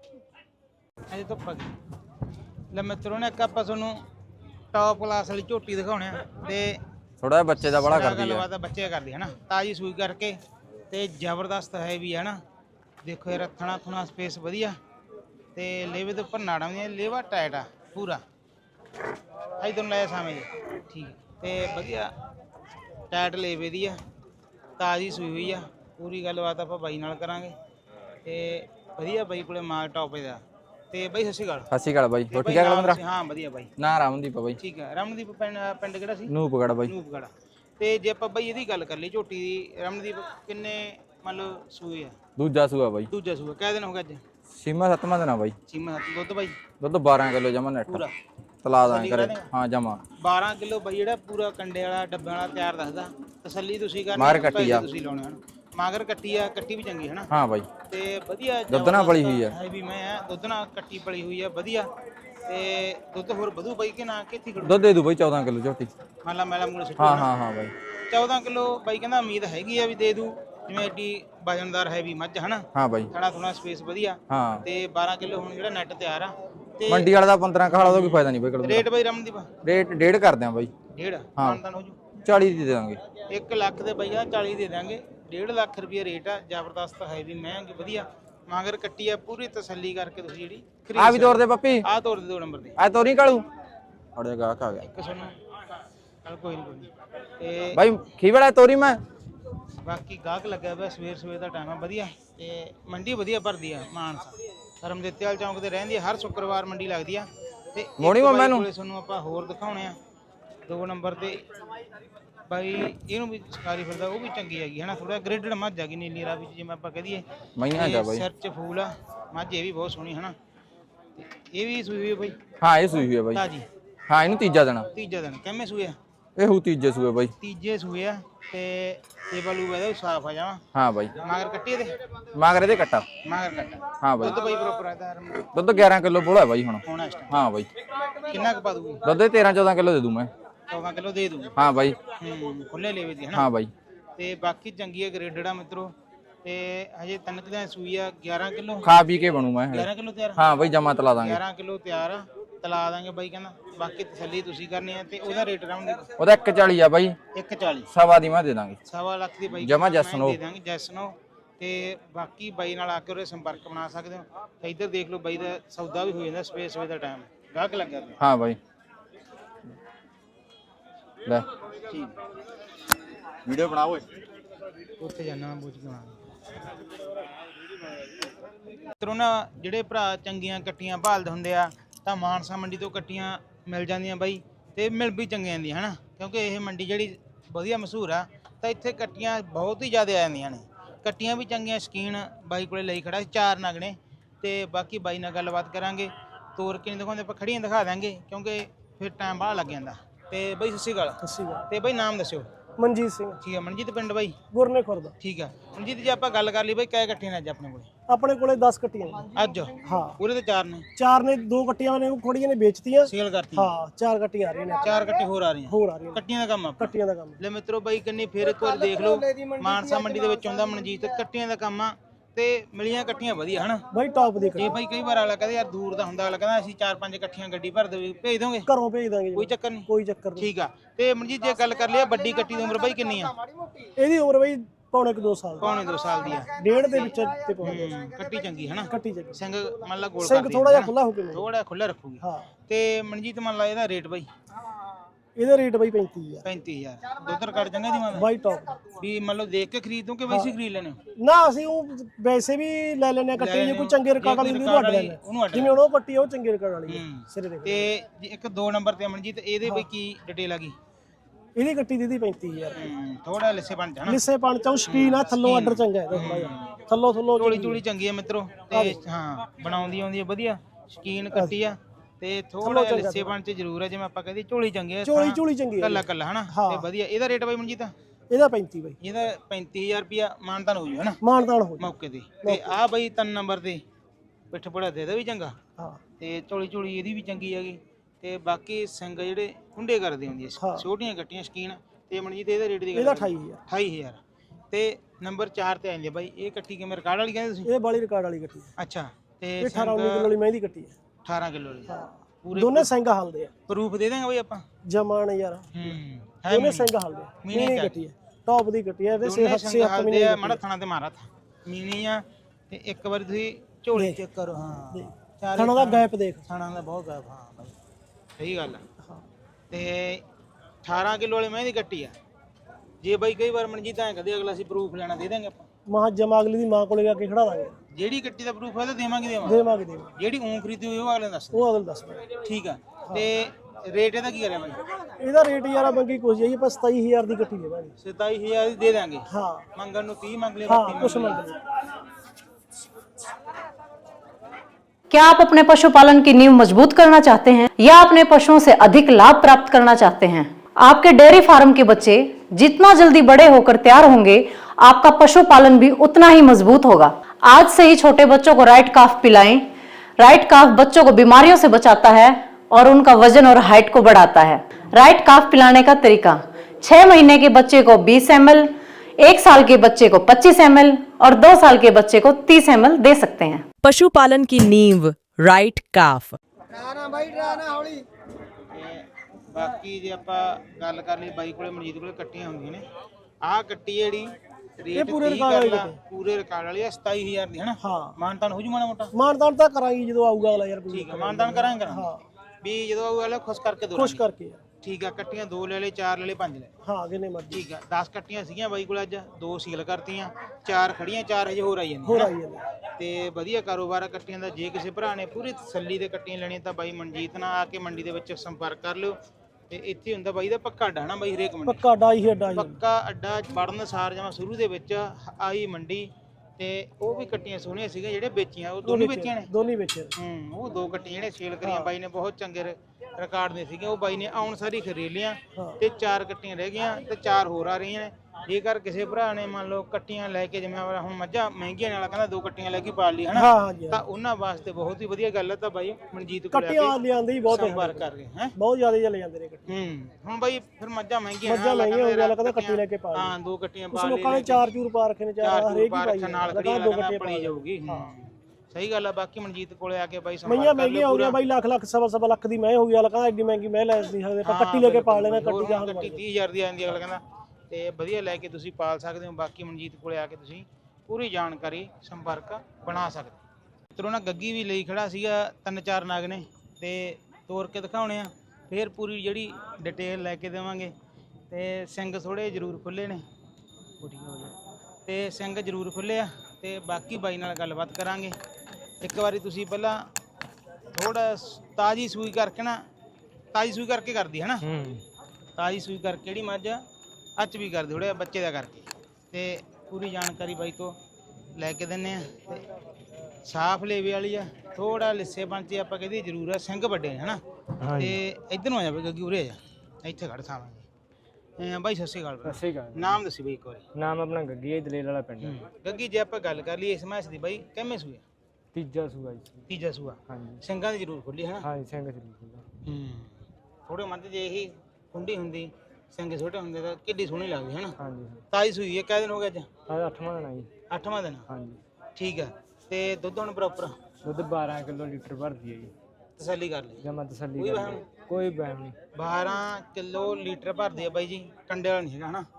ਅਜੇ ਤੋਂ ਪੱਕ ਲੈ ਮਿੱਤਰੋ ਨੇ ਇੱਕ ਆਪਾਂ ਤੁਹਾਨੂੰ ਟੌਪ ਕਲਾਸ ਵਾਲੀ ਝੋਟੀ ਦਿਖਾਉਣੇ ਆ ਤੇ ਥੋੜਾ ਜਿਹਾ ਬੱਚੇ ਦਾ ਬੜਾ ਕਰਦੀ ਹੈ। ਗੱਲਬਾਤ ਆ ਬੱਚੇ ਕਰਦੀ ਹੈ ਨਾ, ਤਾਜੀ ਸੂਈ ਕਰਕੇ ਤੇ ਜ਼ਬਰਦਸਤ ਹੈ ਵੀ ਹੈ ਨਾ। ਦੇਖੋ ਯਾਰ ਥਣਾ ਥੁਣਾ ਸਪੇਸ ਵਧੀਆ ਤੇ ਲੇਵੇ ਦੇ ਉੱਪਰ ਨਾੜਾਂ ਦੀਆਂ, ਲੇਵਾ ਟਾਈਟ ਆ ਪੂਰਾ। ਅਜ ਤੁਹਾਨੂੰ ਲਾਇਆ ਸਾਵੇਂ ਜੀ ਠੀਕ ਤੇ ਵਧੀਆ ਟਾਈਟ ਲੇਵੇ ਦੀ ਆ, ਤਾਜੀ ਸੂਈ ਹੋਈ ਆ। ਪੂਰੀ ਗੱਲਬਾਤ ਆਪਾਂ ਬਾਈ ਨਾਲ ਕਰਾਂਗੇ ਤੇ ਵਧੀਆ ਬਾਈ ਕੋਲੇ ਮਾਲ ਟੌਪ ਦਾ। ਤੇ ਬਾਈ ਸਤਿ ਸ਼੍ਰੀ ਅਕਾਲ। ਸਤਿ ਸ਼੍ਰੀ ਅਕਾਲ ਬਾਈ, ਹੋ ਠੀਕ ਹੈ ਕਲੰਦਰਾ? ਹਾਂ ਵਧੀਆ ਬਾਈ। ਨਾ ਰਾਮਦੀਪ ਬਾਈ। ਠੀਕ ਹੈ। ਰਮਨਦੀਪ ਪਿੰਡ ਪਿੰਡ ਕਿਹੜਾ ਸੀ? ਨੂਪਗੜ ਬਾਈ। ਨੂਪਗੜ। ਤੇ ਜੇ ਆਪਾਂ ਬਾਈ ਇਹਦੀ ਗੱਲ ਕਰ ਲਈ ਝੋਟੀ ਦੀ, ਰਮਨਦੀਪ ਕਿੰਨੇ ਮਤਲਬ ਸੂਏ ਆ? ਦੂਜਾ ਸੂਆ ਬਾਈ। ਦੂਜਾ ਸੂਆ। ਕਿੰਨੇ ਦਿਨ ਹੋ ਗਏ ਅੱਜ? ਛੇਵਾਂ ਸੱਤਵਾਂ ਦਿਨ ਆ ਬਾਈ। ਛੇਵਾਂ ਸੱਤ। ਦੁੱਧ ਬਾਈ? ਦੁੱਧ ਬਾਰਾਂ ਕਿਲੋ ਜਮਾ ਨੈਟ ਪੂਰਾ ਤਲਾ ਦਾਂ ਕਰੇ। ਹਾਂ ਜਮਾ ਬਾਰਾਂ ਕਿਲੋ ਬਾਈ ਜਿਹੜਾ ਪੂਰਾ ਕੰਡੇ ਵਾਲਾ ਡੱਬੇ ਵਾਲਾ ਤਿਆਰ ਦੱਸਦਾ। ਤਸੱਲੀ ਤੁਸੀਂ ਕਰਨੀ, ਮਾਰ ਕੱਟੀ ਆ ਤੁਸੀਂ ਲਾਉਣੇ ਹਨ। ਮਾਗਰ ਕੱਟੀ ਆ, ਕੱਟੀ ਵੀ ਚੰਗੀ ਹੈ ਨਾ? ਹਾਂ ਬਾਈ। ਤੇ ਵਧੀਆ ਦੁੱਧ ਨਾਲ ਪਲੀ ਹੋਈ ਆ। ਹੈ ਵੀ ਮੈਂ ਆ ਦੁੱਧ ਨਾਲ ਕੱਟੀ ਪਲੀ ਹੋਈ ਆ ਵਧੀਆ। ਤੇ ਦੁੱਧ ਹੋਰ ਵਧੂ ਬਾਈ ਕਿ ਨਾ? ਕਿੱਥੇ ਖੜੂ? ਦੁੱਧ ਦੇ ਦੂ ਬਾਈ ਚੌਦਾਂ ਕਿਲੋ ਝੋਟੀ। ਮੰਨ ਲਾ ਮੈਲਾ ਮੂਲੇ ਸਿੱਟੂ। ਹਾਂ ਹਾਂ ਹਾਂ ਬਾਈ। ਚੌਦਾਂ ਕਿਲੋ ਬਾਈ ਕਹਿੰਦਾ ਉਮੀਦ ਹੈਗੀ ਆ ਵੀ ਦੇ ਦੂ, ਜਿਵੇਂ ਏਡੀ ਵਜਨਦਾਰ ਹੈ ਵੀ ਮੱਝ ਹਨਾ। ਹਾਂ ਬਾਈ। ਥੋੜਾ ਥੋੜਾ ਸਪੇਸ ਵਧੀਆ। ਹਾਂ ਤੇ ਬਾਰਾਂ ਕਿਲੋ ਹੁਣ ਜਿਹੜਾ ਨੈਟ ਤਿਆਰ ਆ। ਤੇ ਮੰਡੀ ਵਾਲਾ ਦਾ ਪੰਦਰਾਂ ਖਾਲਾ ਉਹਦਾ ਕੋਈ ਫਾਇਦਾ ਨਹੀਂ ਬਾਈ ਕਲੰਦਰਾ। ਰੇਟ ਬਾਈ ਰਮਨਦੀਪ? ਰੇਟ ਡੇਢ ਕਰਦੇ ਆ ਬਾਈ। ਡੇਢ ਹਾਂ। ਮਾਨਤਾਨ ਹੋ ਜੂ? ਚਾਲੀ ਦੀ ਦੇ ਦਾਂਗੇ। ਇੱਕ ਲੱਖ ਦੇ ਬਾਈ ਆ ਚਾਲੀ ਦੇ ਦਾਂਗੇ। ਡੇਢ ਲੱਖ ਰੁਪਏ ਰੇਟ ਆ। ਜ਼ਬਰਦਸਤ ਹੈ ਵੀ ਮਹਿੰਗੀ ਵਧੀਆ। ਮਾਗਰ ਕੱਟੀ ਆ ਪੂਰੀ ਤਸੱਲੀ ਕਰਕੇ ਤੁਸੀਂ ਜਿਹੜੀ ਆ ਵੀ ਤੋਰ ਦੇ ਪੱਪੀ। ਆਹ ਤੋਰ ਦੇ ਦੋ ਨੰਬਰ ਦੇ। ਆ ਤੋਰੀ ਕਾਲੂ ਅੜੇ ਗਾਹਕ ਆ ਗਿਆ ਇੱਕ ਸੁਣੋ ਚੱਲ ਕੋਈ ਨਹੀਂ ਕੋਈ ਨੀ। ਤੇ ਬਾਈ ਖੀ ਵਾਲਾ ਤੋਰੀ ਮੈਂ ਬਾਕੀ ਗਾਹਕ ਲੱਗਿਆ ਪਿਆ, ਸਵੇਰ ਸਵੇਰ ਦਾ ਟਾਈਮ ਆ ਵਧੀਆ। ਤੇ ਮੰਡੀ ਵਧੀਆ ਭਰਦੀ ਆ ਮਾਨਸਾ ਧਰਮਦਿੱਤੇਵਾਲ ਚੌਂਕ ਤੇ ਰਹਿੰਦੀ ਆ। ਹਰ ਸ਼ੁੱਕਰਵਾਰ ਮੰਡੀ ਲੱਗਦੀ ਆ। ਤੇ ਮੋੜੀ ਮੰਮਾ ਨੂੰ ਤੁਹਾਨੂੰ ਆਪਾਂ ਹੋਰ ਦਿਖਾਉਣੇ ਆ ਦੋ ਨੰਬਰ ਤੇ ਬਾਈ ਇਹਨੂੰ ਵੀ ਸਕਾਰੀ ਫਿਰਦਾ, ਉਹ ਵੀ ਚੰਗੀ ਹੈਗੀ ਹੈ ਨਾ। ਥੋੜਾ ਗ੍ਰੇਡਡ ਮੱਝ ਹੈਗੀ ਨੀਲੀ ਰਾਵੀ ਜਿਵੇਂ ਆਪਾਂ ਕਹਿ ਦਈਏ। ਮਈਆਂ ਜਾ ਬਾਈ। ਸਿਰ 'ਚ ਫੂਲ ਆ ਮੱਝ, ਇਹ ਵੀ ਬਹੁਤ ਸੋਹਣੀ ਹੈ ਨਾ। ਤੇ ਇਹ ਵੀ ਸੂਈ ਹੋਈ ਹੈ ਬਾਈ? ਹਾਂ ਇਹ ਸੂਈ ਹੋਈ ਹੈ ਬਾਈ। ਤਾਜੀ? ਹਾਂ ਇਹਨੂੰ ਤੀਜਾ ਦੇਣਾ। ਤੀਜਾ ਦਿਨ ਕਿੰਨੇ ਸੂਏ ਆ? ਇਹ ਹੂ ਤੀਜੇ ਸੂਏ ਬਾਈ। ਤੀਜੇ ਸੂਏ ਆ। ਤੇ ਟੇਬਲ ਉਹ ਇਹਦਾ ਸਾਫ ਆ ਜਾਵਾ। ਹਾਂ ਬਾਈ। ਮਾਗਰ ਕੱਟੀ ਇਹਦੇ? ਮਾਗਰ ਇਹਦੇ ਕੱਟਾ। ਮਾਗਰ ਕੱਟਾ। ਹਾਂ ਬਾਈ। ਦੁੱਧ ਬਾਈ ਪ੍ਰੋਪਰ ਆਦਾ? ਦੁੱਧ ਗਿਆਰਾਂ ਕਿਲੋ ਬੋਲਾ ਬਾਈ ਹੁਣ। ਹੁਣ ਇਸ ਟਾਈਮ ਹਾਂ ਬਾਈ। ਕਿੰਨਾ ਕੁ ਪਾ ਦੂਗੀ? ਦੁੱਧ ਤੇਰਾਂ ਚੌਦਾਂ ਕਿਲੋ ਦੇ ਦੂੰ ਮੈਂ। ਚੌਦਾਂ ਕਿਲੋ ਦੇ ਦੂੰਗਾ। ਹਾਂ ਬਾਈ। ਹੂੰ ਖੁੱਲੇ ਲੈਵੇ ਦੀ ਹੈ ਨਾ? ਹਾਂ ਬਾਈ। ਤੇ ਬਾਕੀ ਚੰਗੀ ਹੈ ਗ੍ਰੇਡਡ ਆ ਮਿੱਤਰੋ। ਤੇ ਹਜੇ ਤਿੰਨ ਕੁ ਦਿਨ ਸੂਈ ਆ। ਗਿਆਰਾਂ ਕਿਲੋ ਖਾ ਪੀ ਕੇ ਬਣੂ ਮੈਂ। ਗਿਆਰਾਂ ਕਿਲੋ ਤਿਆਰ? ਹਾਂ ਬਾਈ ਜਮਾ ਤਲਾ ਦਾਂਗੇ। ਗਿਆਰਾਂ ਕਿਲੋ ਤਿਆਰ ਆ, ਤਲਾ ਦਾਂਗੇ ਬਾਈ ਕਹਿੰਦਾ। ਬਾਕੀ ਤਸੱਲੀ ਤੁਸੀਂ ਕਰਨੀ ਆ। ਤੇ ਉਹਦਾ ਰੇਟ ਰਾਉਂਡ ਦੇ? ਉਹਦਾ ਇੱਕ ਚਾਲੀ ਆ ਬਾਈ। ਇੱਕ ਚਾਲੀ। ਸਵਾ ਦੀ ਮੈਂ ਦੇ ਦਾਂਗੇ। ਸਵਾ ਲੱਖ ਦੀ ਬਾਈ ਜਮਾਂ ਜੈਸਨੋ। ਦੇ ਦਾਂਗੇ ਜੈਸਨੋ। ਤੇ ਬਾਕੀ ਬਾਈ ਨਾਲ ਆ ਕੇ ਉਹਦੇ ਸੰਪਰਕ ਬਣਾ ਸਕਦੇ ਹੋ। ਤੇ ਇੱਧਰ ਦੇਖ ਲਓ ਬਾਈ ਦਾ ਸੌਦਾ ਵੀ ਹੋ ਜਾਂਦਾ ਸਵੇਰ ਸਵੇਰ ਦਾ ਟਾਈਮ ਗਾਹਕ ਲੱਗਿਆ ਪਿਆ। ਹਾਂ ਬਾਈ ਲੈ ਠੀਕ ਵੀਡੀਓ ਬਣਾ ਓਏ। ਉੱਥੇ ਜਾਣਾ ਮੈਂ ਪੁੱਛ ਕੇ ਆਉਣਾ। ਮਿੱਤਰੋ ਨਾ ਜਿਹੜੇ ਭਰਾ ਚੰਗੀਆਂ ਕੱਟੀਆਂ ਭਾਲਦੇ ਹੁੰਦੇ ਆ ਤਾਂ ਮਾਨਸਾ ਮੰਡੀ ਤੋਂ ਕੱਟੀਆਂ ਮਿਲ ਜਾਂਦੀਆਂ ਬਾਈ। ਤੇ ਮਿਲ ਵੀ ਚੰਗੀਆਂ ਜਾਂਦੀਆਂ ਹਨਾ, ਕਿਉਂਕਿ ਇਹ ਮੰਡੀ ਜਿਹੜੀ ਵਧੀਆ ਮਸ਼ਹੂਰ ਆ। ਤਾਂ ਇੱਥੇ ਕੱਟੀਆਂ ਬਹੁਤ ਹੀ ਜ਼ਿਆਦਾ ਆ ਜਾਂਦੀਆਂ ਨੇ। ਕੱਟੀਆਂ ਵੀ ਚੰਗੀਆਂ ਸ਼ਕੀਨ ਬਾਈ ਕੋਲੇ ਲਈ ਖੜਾ ਚਾਰ ਨਗ ਨੇ। ਤੇ ਬਾਕੀ ਬਾਈ ਨਾਲ ਗੱਲਬਾਤ ਕਰਾਂਗੇ। ਤੋਰ ਕੇ ਨਹੀਂ ਦਿਖਾਉਂਦੇ ਆਪਾਂ, ਖੜੀਆਂ ਦਿਖਾ ਦਾਂਗੇ ਕਿਉਂਕਿ ਫਿਰ ਟਾਈਮ ਬਾਹਲਾ ਲੱਗ ਜਾਂਦਾ। ਤੇ ਬਾਈ ਸਤਿ ਸ਼੍ਰੀ ਅਕਾਲ। ਸਤਿ ਸ਼੍ਰੀ ਅਕਾਲ। ਤੇ ਬਾਈ ਨਾਮ ਦੱਸਿਓ? ਮਨਜੀਤ ਸਿੰਘ। ਠੀਕ ਹੈ ਮਨਜੀਤ ਪਿੰਡ ਬਾਈ? ਗੁਰਨੇ ਖੁਰਦ। ਠੀਕ ਆ ਮਨਜੀਤ ਜੀ, ਆਪਾਂ ਗੱਲ ਕਰ ਲਈ ਬਾਈ ਕਿਹ ਕੱਟੀਆਂ ਨੇ ਅੱਜ ਆਪਣੇ ਕੋਲੇ? ਆਪਣੇ ਕੋਲੇ ਦਸ ਕੱਟੀਆਂ ਨੇ ਅੱਜ? ਹਾਂ। ਪੂਰੇ ਤੇ ਚਾਰ ਨੇ? ਚਾਰ ਨੇ, ਦੋ ਕੱਟੀਆਂ ਨੇ ਥੋੜੀਆਂ ਨੇ ਵੇਚਤੀਆਂ। ਸੇਲ ਕਰਤੀ? ਹਾਂ ਚਾਰ ਕੱਟੀਆਂ ਆ ਰਹੀਆਂ ਨੇ। ਚਾਰ ਕੱਟੀ ਹੋਰ ਆ ਰਹੀਆਂ? ਹੋਰ ਆ ਰਹੀਆਂ ਨੇ। ਕੱਟੀਆਂ ਦਾ ਕੰਮ ਆ ਕੱਟੀਆਂ ਦਾ ਕੰਮ। ਲੈ ਮਿੱਤਰੋ ਬਾਈ ਕੰਨੀ ਫੇਰ ਇੱਕ ਵਾਰ ਦੇਖ ਲਓ। ਮਾਨਸਾ ਮੰਡੀ ਦੇ ਵਿੱਚ ਆਉਂਦਾ ਮਨਜੀਤ, ਕੱਟੀਆਂ ਦਾ ਕੰਮ ਆ। ਤੇ ਮਿਲੀਆਂ ਕੱਟੀਆਂ ਵਧੀਆ ਹਨਾ ਬਾਈ ਟੌਪ ਦੀ। ਜੇ ਬਾਈ ਕਈ ਵਾਰ ਅਗਲਾ ਕਹਿੰਦੇ ਯਾਰ ਦੂਰ ਦਾ ਹੁੰਦਾ, ਅਗਲਾ ਕਹਿੰਦਾ ਅਸੀਂ ਚਾਰ ਪੰਜ ਇਕੱਠੀਆਂ ਗੱਡੀ ਭਰ ਦੇ ਭੇਜ ਦੋਗੇ? ਘਰੋਂ ਭੇਜ ਦਾਂਗੇ ਜੀ। ਕੋਈ ਚੱਕਰ ਨਹੀਂ? ਕੋਈ ਚੱਕਰ ਨਹੀਂ। ਠੀਕ ਆ। ਤੇ ਮਨਜੀਤ ਜੇ ਗੱਲ ਕਰ ਲਿਆ ਵੱਡੀ ਕੱਟੀ ਦੀ ਉਮਰ ਬਾਈ ਕਿੰਨੀ ਆ? ਇਹਦੀ ਉਮਰ ਬਾਈ ਪੌਣੇ ਕੁ ਦੋ ਸਾਲ ਪੌਣੇ ਦੋ ਸਾਲ ਦੀ ਆ। ਡੇਢ ਦੇ ਵਿੱਚ ਤੇ ਪਹੁੰਚ ਹੂੰ, ਕੱਟੀ ਚੰਗੀ ਹੈ ਨਾ। ਕੱਟੀ ਚੰਗੀ ਸਿੰਘ ਮੰਨ ਲਾ ਗੋਲ ਸਿੰਘ ਕਰਦੀ ਥੋੜਾ ਜਿਹਾ ਖੁੱਲਾ ਹੋ ਕੇ ਮਿਲੇ। ਥੋੜਾ ਖੁੱਲਾ ਰੱਖੂਗੀ। ਹਾਂ ਤੇ ਮਨਜੀਤ ਮੰਨ ਲਾ ਇਹਦਾ ਰੇਟ ਬਾਈ ਇਹਦਾ ਰੇਟ ਬਾਈ ਪੈਂਤੀ ਹਜ਼ਾਰ ਪੈਂਤੀ ਹਜ਼ਾਰ। ਦੁੱਧ ਰਿਕਾਰਡ ਚੰਗਾ ਦੀ ਮਾਂ ਬਾਈ ਟੌਪ ਵੀ ਮੰਨ ਲਓ ਦੇਖ ਕੇ ਖਰੀਦੋ ਕਿ ਵੈਸੇ ਹੀ ਖਰੀਦ ਲੈਣੇ ਹੋ? ਨਾ ਅਸੀਂ ਉਹ ਵੈਸੇ ਵੀ ਲੈ ਲੈਣੇ ਆ ਕੱਟੀ, ਜੇ ਕੋਈ ਚੰਗੇ ਰਿਕਾਰਡ ਵਾਲੀ ਹੁੰਦੀ ਉਹ ਅੱਡ ਲੈਣੇ ਉਹਨੂੰ ਅੱਡ ਜਿਵੇਂ ਹੁਣ ਉਹ ਕੱਟੀ ਉਹ ਚੰਗੇ ਰਿਕਾਰਡ ਵਾਲੀ ਹੈ ਹੂੰ। ਸਿਰੇ ਦੇ। ਤੇ ਜੇ ਇੱਕ ਦੋ ਨੰਬਰ ਤੇ ਅਮਨਜੀਤ ਇਹਦੇ ਬਈ ਕੀ ਡਿਟੇਲ ਆ ਗਈ? ਇਹਦੀ ਕੱਟੀ ਦੀਦੀ ਪੈਂਤੀ ਹਜ਼ਾਰ ਹੂੰ, ਥੋੜਾ ਲਿੱਸੇ ਬਣ ਜਾਣਾ। ਲਿੱਸੇ ਪਣ ਚਾਉ ਸ਼ਕੀਨ ਆ, ਥੱਲੋਂ ਆਰਡਰ ਚੰਗਾ ਹੈ ਥੋੜਾ ਜਿਹਾ, ਥੱਲੋਂ ਥੱਲੋਂ ਝੋਲੀ ਝੋਲੀ ਚੰਗੀ ਆ ਮਿੱਤਰੋ। ਤੇ ਹਾਂ ਬਣਾਉਂਦੀ ਆਉਂਦੀ ਆ ਵਧੀਆ, ਸ਼ਕੀਨ ਕੱਟੀ ਆ ਤੇ ਥੋੜਾ ਜਿਹਾ ਲਿੱਸੇ ਬਣ ਚ ਜ਼ਰੂਰ ਆ, ਜਿਵੇਂ ਆਪਾਂ ਕਹਿੰਦੇ ਝੋਲੀ ਚੰਗੀ ਆ, ਝੋਲੀ ਝੋਲੀ ਚੰਗੀ ਹੈ ਕੱਲਾ ਕੱਲਾ ਹਨਾ। ਤੇ ਵਧੀਆ। ਇਹਦਾ ਰੇਟ ਬਾਈ ਮਨਜੀਤ ਇਹਦਾ ਪੈਂਤੀ ਬਾਈ, ਇਹਦਾ ਪੈਂਤੀ ਹਜ਼ਾਰ ਰੁਪਿਆ ਮਾਨਤਾਨ ਹੋ ਜੂ ਹਨਾ ਮਾਨਤਾਨ ਹੋ ਜਾ ਮੌਕੇ ਤੇ। ਤੇ ਆ ਬਾਈ ਤਿੰਨ ਨੰਬਰ ਤੇ ਪਿੱਠ ਪੜਾ ਦੇ ਦਾ ਵੀ ਚੰਗਾ ਹਾਂ। ਤੇ ਝੋਲੀ ਝੋਲੀ ਇਹਦੀ ਵੀ ਚੰਗੀ ਹੈਗੀ। ਤੇ ਬਾਕੀ ਸਿੰਘ ਜਿਹੜੇ ਕੁੰਡੇ ਕਰਦੇ ਹੁੰਦੀ ਆ, ਛੋਟੀਆਂ ਗੱਟੀਆਂ ਸ਼ਕੀਨ। ਤੇ ਮਨਜੀਤ ਇਹਦਾ ਰੇਟ ਦੀ ਗੱਲ ਇਹਦਾ ਅਠਾਈ ਹਜ਼ਾਰ ਅਠਾਈ ਹਜ਼ਾਰ। ਤੇ ਨੰਬਰ ਚਾਰ ਤੇ ਆਂਦੇ ਬਾਈ ਇਹ ਕੱਟੀ ਕਿਵੇਂ ਰਿਕਾਰਡ ਵਾਲੀ ਕਹਿੰਦੇ ਤੁਸੀਂ? ਇਹ ਬਾਲੀ ਰਿਕਾਰਡ ਵਾਲੀ ਕੱਟੀ ਹੈ। ਅੱਛਾ। ਤੇ ਇਹ ਅਠਾਰਾਂ ਉੱਨੀ ਕਿਲੋ ਵਾਲੀ ਮਹਿੰਦੀ ਕੱਟੀ ਹੈ। ਅਠਾਰਾਂ ਕਿਲੋ ਵਾਲੀ ਪੂਰੇ ਦੋਨੇ ਸਿੰਘ ਹਲਦੇ ਆ ਪ੍ਰੂਫ ਦੇ ਦਾਂਗੇ ਬਾਈ ਆਪਾਂ। ਜਮਾਨ ਯਾਰ ਹੂੰ ਦੋਨੇ ਸਿੰਘ ਹਲਦੇ ਆ। ਮੀਨੀ ਕੱਟੀ ਹੈ, ਟੌਪ ਦੀ ਕੱਟੀ ਹੈ। ਇਹਦੇ ਸੇ ਦੋਨੇ ਹੱਸੇ ਸਿੰਘ ਹੱਥ ਹਲਦੇ ਆ, ਮਾੜਾ ਥਣਾ ਤੇ ਮਾਰਾ ਥਾ ਮੀਨੀ ਆ। ਤੇ ਇੱਕ ਵਾਰੀ ਤੁਸੀਂ ਝੋਲੀ ਚੈੱਕ ਕਰੋ। ਹਾਂ ਚਾਰੇ ਥਣਾ ਦਾ ਗੈਪ ਦੇਖ, ਥਣਾ ਦਾ ਬਹੁਤ ਗੈਪ। ਹਾਂ ਬਾਈ ਸਹੀ ਗੱਲ ਆ। ਤੇ ਅਠਾਰਾਂ ਕਿਲੋ ਵਾਲੀ ਮਹਿੰਦੀ ਕੱਟੀ ਆ। ਜੇ ਬਾਈ ਕਈ ਵਾਰ ਮਨਜੀਤ ਐਂ ਕਹਦੇ ਅਗਲਾ ਅਸੀਂ ਪ੍ਰੂਫ ਲੈਣਾ ਦੇ ਦਾਂਗੇ ਆਪਾਂ। ਮਹਾ ਜਮਾ ਅਗਲੀ ਦੀ ਮਾਂ ਕੋਲੇ ਜਾ ਕੇ ਖੜਾ ਦਾਂਗੇ। ਜਿਹੜੀ ਕੱਟੀ ਦਾ ਪ੍ਰੂਫ ਹੈ ਤਾਂ ਦੇਵਾਂਗੇ ਦੇਵਾਂਗੇ ਦੇਵਾਂਗੇ ਦੇਵਾਂਗੇ ਜਿਹੜੀ ਊਂ ਖਰੀਦੀ ਹੋਈ ਉਹ ਅਗਲੇ ਨੂੰ ਦੱਸ ਦਿਓ। ਉਹ ਅਗਲ ਦੱਸ ਦੇ। ਠੀਕ ਆ। ਤੇ ਰੇਟ ਇਹਦਾ ਕੀ ਕਰਿਆ ਬਾਈ? ਇਹਦਾ ਰੇਟ ਯਾਰਾ ਮੰਗੀ ਕੁਛ ਜਾਈ ਆਪਾਂ ਸਤਾਈ ਹਜ਼ਾਰ ਦੀ ਕੱਟੀ ਦੇਵਾਂਗੇ। ਸਤਾਈ ਹਜ਼ਾਰ ਦੀ ਦੇ ਦਾਂਗੇ। ਹਾਂ ਮੰਗਣ ਨੂੰ ਤੀਹ ਮੰਗ ਲਿਆ, हाँ ਬੱਤੀ कुछ ਮੰਗ मंग ਲਿਆ। क्या आप अपने पशुपालन की नींव मजबूत करना चाहते हैं या अपने पशुओं से अधिक लाभ प्राप्त करना चाहते हैं? आपके डेयरी फार्म के बच्चे जितना जल्दी बड़े होकर तैयार होंगे, आपका पशुपालन भी उतना ही मजबूत होगा। आज से ही छोटे बच्चों को राइट काफ पिलाएं। राइट काफ बच्चों को बीमारियों से बचाता है और उनका वजन और हाइट को बढ़ाता है। राइट काफ पिलाने का तरीका: छह महीने के बच्चे को बीस एम एल, एक साल के बच्चे को पच्चीस एम एल और दो साल के बच्चे को तीस एम एल दे सकते हैं। पशुपालन की नींव राइट काफ। ਬਾਕੀ ਜੇ ਆਪਾਂ ਗੱਲ ਕਰ ਲਈ ਬਾਈ ਕੋਲੇ ਮਨਜੀਤ ਕੋਲੇ ਕੱਟੀਆਂ ਹੁੰਦੀਆਂ ਨੇ। ਆਹ ਕੱਟੀ ਜਿਹੜੀ ਰੇਟ ਪੂਰੇ ਤੀਹ ਰਿਕਾਰਡ ਕਰ ਵਾਲੀ ਲਾ, ਪੂਰੇ ਰਿਕਾਰਡ ਵਾਲੀ ਆ ਸਤਾਈ ਹਜ਼ਾਰ ਦੀ ਹਨਾ। ਹਾਂ ਮਾਨਤਾਨ ਹੋ ਜੂ ਮਾੜਾ ਮੋਟਾ? ਮਾਨਤਾਨ ਤਾਂ ਕਰਾਂਗੀ ਜਦੋਂ ਆਊਗਾ ਅਗਲਾ ਯਾਰ ਕੋਈ। ਠੀਕ ਆ ਮਾਨਤਾਨ ਕਰਾਂਗੇ ਕਰਾਂਗੇ। ਹਾਂ ਵੀ ਜਦੋਂ ਆਊਗਾ ਅਗਲਾ ਖੁਸ਼ ਕਰਕੇ ਦੋ ਖੁਸ਼ ਕਰਕੇ ਯਾਰ। ਠੀਕ ਆ। ਕੱਟੀਆਂ ਦੋ ਲੈ ਲੈ, ਚਾਰ ਲੈ ਲੈ, ਪੰਜ ਲੈ। ਹਾਂ ਜਿੰਨੇ ਮਰਜ਼ੀ ਠੀਕ ਆ। ਦਸ ਕੱਟੀਆਂ ਸੀਗੀਆਂ ਬਾਈ ਕੋਲ ਅੱਜ, ਦੋ ਸੀਲ ਕਰਤੀਆਂ, ਚਾਰ ਖੜੀਆਂ, ਚਾਰ ਹਜੇ ਹੋਰ ਆਈ ਹੋਰ ਜਾਂਦੀਆਂ ਆਈ ਜਾਂਦੇ। ਤੇ ਵਧੀਆ ਕਾਰੋਬਾਰ ਆ ਕੱਟੀਆਂ ਦਾ। ਜੇ ਕਿਸੇ ਭਰਾ ਨੇ ਪੂਰੀ ਤਸੱਲੀ ਦੇ ਕੱਟੀਆਂ ਲੈਣੀਆਂ ਤਾਂ ਬਾਈ ਮਨਜੀਤ ਨਾਲ ਆ ਕੇ ਮੰਡੀ ਦੇ ਵਿੱਚ ਸੰਪਰਕ ਕਰ ਲਿਓ। ਤੇ ਇੱਥੇ ਹੁੰਦਾ ਬਾਈ ਦਾ ਪੱਕਾ ਅੱਡਾ ਨਾ ਬਾਈ ਹਰੇਕ ਮੰਡੀ ਪੱਕਾ ਡਾਈ ਹੈ ਡਾਈ। ਪੱਕਾ ਅੱਡਾ ਵੜਨ ਸਾਰ ਜਮਾ ਸ਼ੁਰੂ ਦੇ ਵਿੱਚ ਆਈ ਮੰਡੀ। ਤੇ ਉਹ ਵੀ ਕੱਟੀਆਂ ਸੋਹਣੀਆਂ ਸੀਗੀਆਂ ਜਿਹੜੇ ਵੇਚੀਆਂ, ਉਹ ਦੋਨੇ ਵੇਚੀਆਂ ਨੇ। ਦੋਨੇ ਵੇਚੇ। ਹੂੰ ਉਹ ਦੋ ਕੱਟੀਆਂ ਜਿਹੜੇ ਸੇਲ ਕਰੀਆਂ ਬਾਈ ਨੇ ਬਹੁਤ ਚੰਗੇ ਰਿਕਾਰਡ ਦੇ ਸੀਗੇ, ਉਹ ਬਾਈ ਨੇ ਆਉਣ ਸਾਰੀ ਖਰੀਦ ਲੀਆਂ। ਤੇ ਚਾਰ ਕੱਟੀਆਂ ਰਹਿ ਗਈਆਂ ਤੇ ਚਾਰ ਹੋਰ ਆ ਰਹੀਆਂ ਨੇ। ਜੇਕਰ ਕਿਸੇ ਭਰਾ ਨੇ ਮੰਨ ਲਓ ਕੱਟੀਆਂ ਲੈ ਕੇ, ਜਿਵੇਂ ਹੁਣ ਮੱਝਾਂ ਮਹਿੰਗੀਆਂ ਨਾਲ ਕਹਿੰਦਾ ਦੋ ਕੱਟੀਆਂ ਲੈ ਕੇ ਪਾਲ ਲਈ ਹਨਾ, ਹਾਂ ਹਾਂ ਜੀ ਤਾਂ ਉਹਨਾਂ ਵਾਸਤੇ ਬਹੁਤ ਹੀ ਵਧੀਆ ਗੱਲ ਹੈ। ਤਾਂ ਬਾਈ ਮਨਜੀਤ ਕੋਲ ਕੱਟੀਆਂ ਲਿਆਂਦੇ ਹੀ ਬਹੁਤ ਸੰਪਰਕ ਕਰ ਗਏ ਹੈ। ਬਹੁਤ ਜ਼ਿਆਦਾ ਲੈ ਜਾਂਦੇ ਨੇ ਕੱਟੀ। ਹੂੰ ਹੁਣ ਬਾਈ ਫਿਰ ਮੱਝਾਂ ਮਹਿੰਗੀਆਂ ਮੱਝਾਂ ਮਹਿੰਗੀਆਂ ਹੋ ਗਿਆ, ਕਹਿੰਦਾ ਕੱਟੀ ਲੈ ਕੇ ਪਾ ਲਈ। ਹਾਂ ਦੋ ਕੱਟੀਆਂ ਕੁਛ ਪਾ ਲੋਕਾਂ ਨੇ ਚਾਰ ਚੂਰ ਪਾ ਰੱਖੇ ਨੇ, ਚਾਰ ਹਰੇਕ ਹੀ ਪਾਈ ਨਾਲ ਖੜੀ ਦੋ ਕੱਟੀਆਂ ਪੜੀ ਜਾਊਗੀ। ਸਹੀ ਗੱਲ ਆ। ਬਾਕੀ ਮਨਜੀਤ ਕੋਲੇ ਆ ਕੇ ਬਾਈ ਸੰਪਰਕ ਮਈਆਂ ਮਹਿੰਗੀਆਂ ਹੋ ਗਈਆਂ ਬਾਈ, ਲੱਖ ਲੱਖ ਸਵਾ ਸਵਾ ਲੱਖ ਦੀ ਮੈਂ ਹੋ ਗਈ। ਅਗਲਾ ਕਹਿੰਦਾ ਐਡੀ ਮਹਿੰਗੀ ਮੈਂ ਲੈ ਨਹੀਂ ਸਕਦੇ, ਆਪਾਂ ਕੱਟੀ ਲੈ ਕੇ ਪਾਲ ਲੈਣਾ। ਕੱਟੀ ਜਹਾਜ਼ ਕੱਟੀ ਤੀਹ ਹਜ਼ਾਰ ਦੀ ਆ ਜਾਂਦੀ ਅਗਲਾ ਕਹਿੰਦਾ। ਤੇ ਵਧੀਆ ਲੈ ਕੇ ਤੁਸੀਂ ਪਾਲ ਸਕਦੇ ਹੋ। ਬਾਕੀ ਮਨਜੀਤ ਕੋਲੇ ਆ ਕੇ ਤੁਸੀਂ ਪੂਰੀ ਜਾਣਕਾਰੀ ਸੰਪਰਕ ਬਣਾ ਸਕਦੇ ਹੋ। ਤਰੋ ਨਾ ਗੱਗੀ ਵੀ ਲਈ ਖੜਾ ਸੀਗਾ, ਤਿੰਨ ਚਾਰ ਨਾਗ ਨੇ ਤੇ ਤੋਰ ਕੇ ਦਿਖਾਉਣੇ ਆ, ਫਿਰ ਪੂਰੀ ਜਿਹੜੀ ਡਿਟੇਲ ਲੈ ਕੇ ਦੇਵਾਂਗੇ। ਤੇ ਸਿੰਘ ਥੋੜੇ ਜ਼ਰੂਰ ਖੁੱਲੇ ਨੇ ਤੇ ਸਿੰਘ ਜ਼ਰੂਰ ਖੁੱਲੇ ਆ। ਤੇ ਬਾਕੀ ਬਾਈ ਨਾਲ ਗੱਲਬਾਤ ਕਰਾਂਗੇ। ਇੱਕ ਵਾਰੀ ਤੁਸੀਂ ਪਹਿਲਾਂ ਥੋੜਾ ਤਾਜ਼ੀ ਸੂਈ ਕਰਕੇ ਨਾ, ਤਾਜ਼ੀ ਸੂਈ ਕਰਕੇ ਕਰਦੀ ਹੈ ਨਾ, ਤਾਜ਼ੀ ਸੂਈ ਕਰਕੇ ਜਿਹੜੀ ਮੱਝ ਅੱਜ ਵੀ ਕਰਦੇ ਥੋੜਾ ਬੱਚੇ ਦਾ ਕਰਕੇ। ਤੇ ਪੂਰੀ ਜਾਣਕਾਰੀ ਬਾਈ ਤੋਂ ਲੈ ਕੇ ਦਿੰਨੇ ਆ। ਤੇ ਸਾਫ ਲੇਵੇ ਵਾਲੀ ਆ, ਥੋੜਾ ਲਿੱਸੇ ਬਣ ਚ ਆਪਾਂ ਕਹਿੰਦੇ ਜ਼ਰੂਰ ਆ, ਸਿੰਘ ਵੱਡੇ ਨੇ ਹਨਾ। ਤੇ ਇੱਧਰ ਨੂੰ ਆ ਜਾਵੇ ਗੱਗੀ, ਉਰੇ ਆ ਜਾ, ਇੱਥੇ ਖੜ ਸਾਵਾਂਗੇ। ਬਾਈ ਸਤਿ ਸ਼੍ਰੀ ਅਕਾਲ। ਸਤਿ ਸ਼੍ਰੀ ਅਕਾਲ। ਨਾਮ ਦੱਸੀ ਬਾਈ ਇੱਕ ਵਾਰੀ। ਨਾਮ ਆਪਣਾ ਗੱਗੀ ਹੈ, ਦਲੇਲ ਵਾਲਾ ਪਿੰਡ। ਗੱਗੀ ਜੇ ਆਪਾਂ ਗੱਲ ਕਰ ਲਈ ਇਸ ਮੈਚ ਦੀ ਬਾਈ, ਕਿੰਨੇ ਸੂਏ? ਤੀਜਾ ਸੂਆ ਜੀ। ਤੀਜਾ ਸੂਆ। ਹਾਂਜੀ ਸਿੰਘਾਂ ਦੀ ਜ਼ਰੂਰ ਖੁੱਲੀ ਹਨਾ। ਹਾਂਜੀ ਸਿੰਘ ਜ਼ਰੂਰ ਖੁੱਲ੍ਹਾ। ਹੂੰ ਥੋੜੇ ਮੱਝ ਜੇ ਇਹੀ ਖੁੰਡੀ ਹੁੰਦੀ, ਸਿੰਘ ਛੋਟੇ ਹੁੰਦੇ ਤਾਂ ਕਿੱਡੀ ਸੋਹਣੀ ਲੱਗਦੀ ਹਨਾ। ਹਾਂਜੀ ਤਾਜ਼ੀ ਸੂਈ ਹੈ, ਕਿਹ ਦਿਨ ਹੋ ਗਿਆ ਅੱਜ? ਅੱਜ ਅੱਠਵਾਂ ਦਿਨ ਆ ਜੀ। ਅੱਠਵਾਂ ਦਿਨ। ਹਾਂਜੀ ਠੀਕ ਆ। ਤੇ ਦੁੱਧ ਹੁਣ ਪ੍ਰੋਪਰ ਦੁੱਧ ਬਾਰਾਂ ਕਿਲੋ ਲੀਟਰ ਭਰਦੀ ਹੈ ਜੀ। ਤਸੱਲੀ ਕਰ ਲਈ ਜਮਾ ਤਸੱਲੀ ਕੋਈ ਕਰ ਵਹਿਮ ਲਈ। ਕੋਈ ਵਹਿਮ ਨਹੀਂ। ਬਾਰਾਂ ਕਿਲੋ ਲੀਟਰ ਭਰਦੀ ਆ ਬਾਈ ਜੀ, ਕੰਡੇ ਵਾਲਾ ਨਹੀਂ ਹੈਗਾ ਹਨਾ।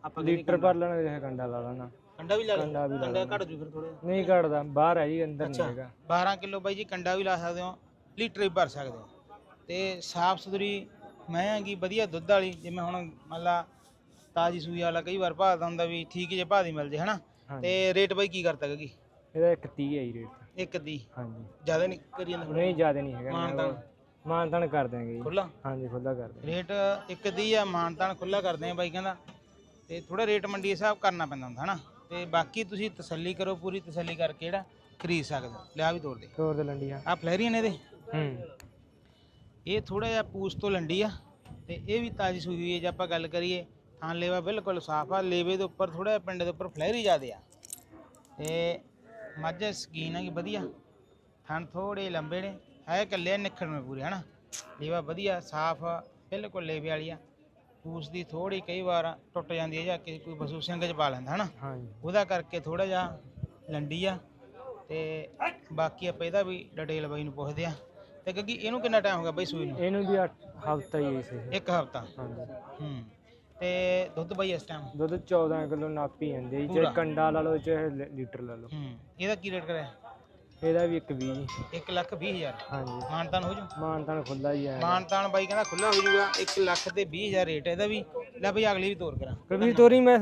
ਆਪਾਂ ਲੀਟਰ ਭਰ ਲੈਣਾ ਕਿਸੇ ਕੰਡਾ ਲਾ ਲੈਣਾ। ਕੰਡਾ ਵੀ ਲਾ ਲਓ, ਕੰਡਾ ਵੀ ਲਾ ਕੰਡਾ ਘੱਟ ਜੂ ਫਿਰ ਥੋੜਾ। ਨਹੀਂ ਘਟਦਾ, ਬਾਹਰ ਹੈ ਜੀ, ਅੰਦਰ ਨਹੀਂ ਹੈਗਾ। ਬਾਰਾਂ ਕਿਲੋ ਬਾਈ ਜੀ ਕੰਡਾ ਵੀ ਲਾ ਸਕਦੇ ਹੋ, ਲੀਟਰ ਵੀ ਭਰ ਸਕਦੇ ਹੋ। ਤੇ ਸਾਫ ਸੁਥਰੀ ਮੈਂ ਹੈਗੀ, ਵਧੀਆ ਦੁੱਧ ਵਾਲੀ। ਜਿਵੇਂ ਹੁਣ ਮੰਨ ਲਾ ਤਾਜੀ ਸੂਈ ਵਾਲਾ ਕਈ ਵਾਰ ਭਾਅ ਦਾ ਹੁੰਦਾ ਵੀ ਠੀਕ ਜੇ ਭਾਅ ਦੀ ਮਿਲ ਜੇ ਹਨਾ। ਤੇ ਰੇਟ ਬਾਈ ਕੀ ਕਰਤਾ ਹੈਗੀ? ਇਹਦਾ ਇੱਕ ਤੀਹ ਹੈ ਜੀ ਰੇਟ। ਇੱਕ ਦੀ? ਹਾਂਜੀ। ਜ਼ਿਆਦਾ ਨਹੀਂ ਕਰੀ ਜਾਂਦਾ? ਨਹੀਂ ਜ਼ਿਆਦਾ ਨਹੀਂ ਹੈਗਾ। ਮਾਨਤਾਨ ਮਾਨਤਾਨ ਕਰ ਦਿਆਂਗੇ ਜੀ। ਖੁੱਲਾ? ਹਾਂਜੀ ਖੁੱਲਾ ਕਰ ਦਿਆਂਗੇ। ਰੇਟ ਇੱਕ ਦੀ ਆ, ਮਾਨਤਾਨ ਖੁੱਲਾ ਕਰਦੇ ਆ ਬਾਈ ਕਹਿੰਦਾ। ਤੇ ਥੋੜਾ ਰੇਟ ਮੰਡੀ ਹਿਸਾਬ ਕਰਨਾ ਪੈਂਦਾ ਹੁੰਦਾ ਹਨਾ। ਤੇ ਬਾਕੀ ਤੁਸੀਂ ਤਸੱਲੀ ਕਰੋ, ਪੂਰੀ ਤਸੱਲੀ ਕਰਕੇ ਜਿਹੜਾ ਖਰੀਦ ਸਕਦੇ ਹੋ। ਲਿਆ ਵੀ ਤੋੜ ਦੇ, ਤੋੜ ਦੇ ਲੰਡੀ ਆ। ਆ ਫਲੈਰੀਆਂ ਨੇ ਇਹਦੇ। ਹੂੰ। ਇਹ ਥੋੜਾ ਜਿਹਾ ਪੂਛ ਤੋਂ ਲੰਡੀ ਆ ਤੇ ਇਹ ਵੀ ਤਾਜੀ ਸੂਈ ਹੋਈ ਹੈ। ਜੇ ਆਪਾਂ ਗੱਲ ਕਰੀਏ ਥਾਂ ਲੇਵਾ ਬਿਲਕੁਲ ਸਾਫ ਆ। ਲੇਵੇ ਦੇ ਉੱਪਰ ਥੋੜਾ ਜਿਹਾ ਪਿੰਡ ਦੇ ਉੱਪਰ ਫਲੈਰੀ ਜ਼ਿਆਦੇ ਆ। ਤੇ ਮੱਝ ਸਕੀਨ ਹੈਗੀ ਵਧੀਆ। ਥਣ ਥੋੜੇ ਲੰਬੇ ਨੇ, ਹੈ ਕੱਲੇ ਨਿਖੜਵੇਂ ਪੂਰੇ ਹਨਾ। ਲੇਵਾ ਵਧੀਆ ਸਾਫ ਬਿਲਕੁਲ ਲੇਵੇ ਵਾਲੀ ਆ। ਪੂਛ ਦੀ ਥੋੜੀ ਕਈ ਵਾਰ ਟੁੱਟ ਜਾਂਦੀ ਹੈ ਜਾਂ ਕਿ ਕੋਈ ਪਸ਼ੂ ਸਿੰਘ ਚ ਪਾ ਲੈਂਦਾ ਹਨਾ, ਉਹਦਾ ਕਰਕੇ ਥੋੜਾ ਜਿਹਾ ਲੰਡੀ ਆ। ਤੇ ਬਾਕੀ ਆਪਾਂ ਇਹਦਾ ਵੀ ਡਿਟੇਲ ਬਾਈ ਨੂੰ ਪੁੱਛਦੇ ਆ। ਤੇ ਕਿਉਂਕਿ ਇਹਨੂੰ ਕਿੰਨਾ ਟਾਈਮ ਹੋ ਗਿਆ ਬਾਈ ਸੂਈ ਨੂੰ? ਇਹਨੂੰ ਵੀ ਹਫਤਾ ਹੀ ਸੀ। ਇੱਕ ਹਫਤਾ? ਹਾਂਜੀ। ਹੂੰ। ਤੇ ਦੁੱਧ ਬਾਈ ਇਸ ਟਾਈਮ? ਦੁੱਧ ਚੌਦਾਂ ਕਿਲੋ ਨਾਪੀ ਜਾਂਦੀ ਹੈ, ਚਾਹੇ ਕੰਡਾ ਲਾ ਲਓ ਚਾਹੇ ਲੀਟਰ ਲਾ ਲਓ। ਹੂੰ। ਇਹਦਾ ਕੀ ਰੇਟ ਕਰਿਆ? ਇਹਦਾ ਵੀ ਇੱਕ ਵੀਹ ਜੀ। ਇੱਕ ਲੱਖ ਵੀਹ ਹਜ਼ਾਰ? ਹਾਂਜੀ। ਮਾਨਤਾਨ ਹੋ ਜੂ? ਮਾਨਤਾਨ ਖੁੱਲਾ ਹੀ ਆ। ਮਾਨਤਾਨ ਬਾਈ ਕਹਿੰਦਾ ਖੁੱਲਾ ਹੋ ਜੂਗਾ। ਇੱਕ ਲੱਖ ਤੇ ਵੀਹ ਹਜ਼ਾਰ ਰੇਟ ਇਹਦਾ ਵੀ। ਲੈ ਬਈ ਅਗਲੀ ਵੀ ਤੋਰ ਕਰਾਂ। ਕਵੀ ਤੋਰੀ ਮੈਂ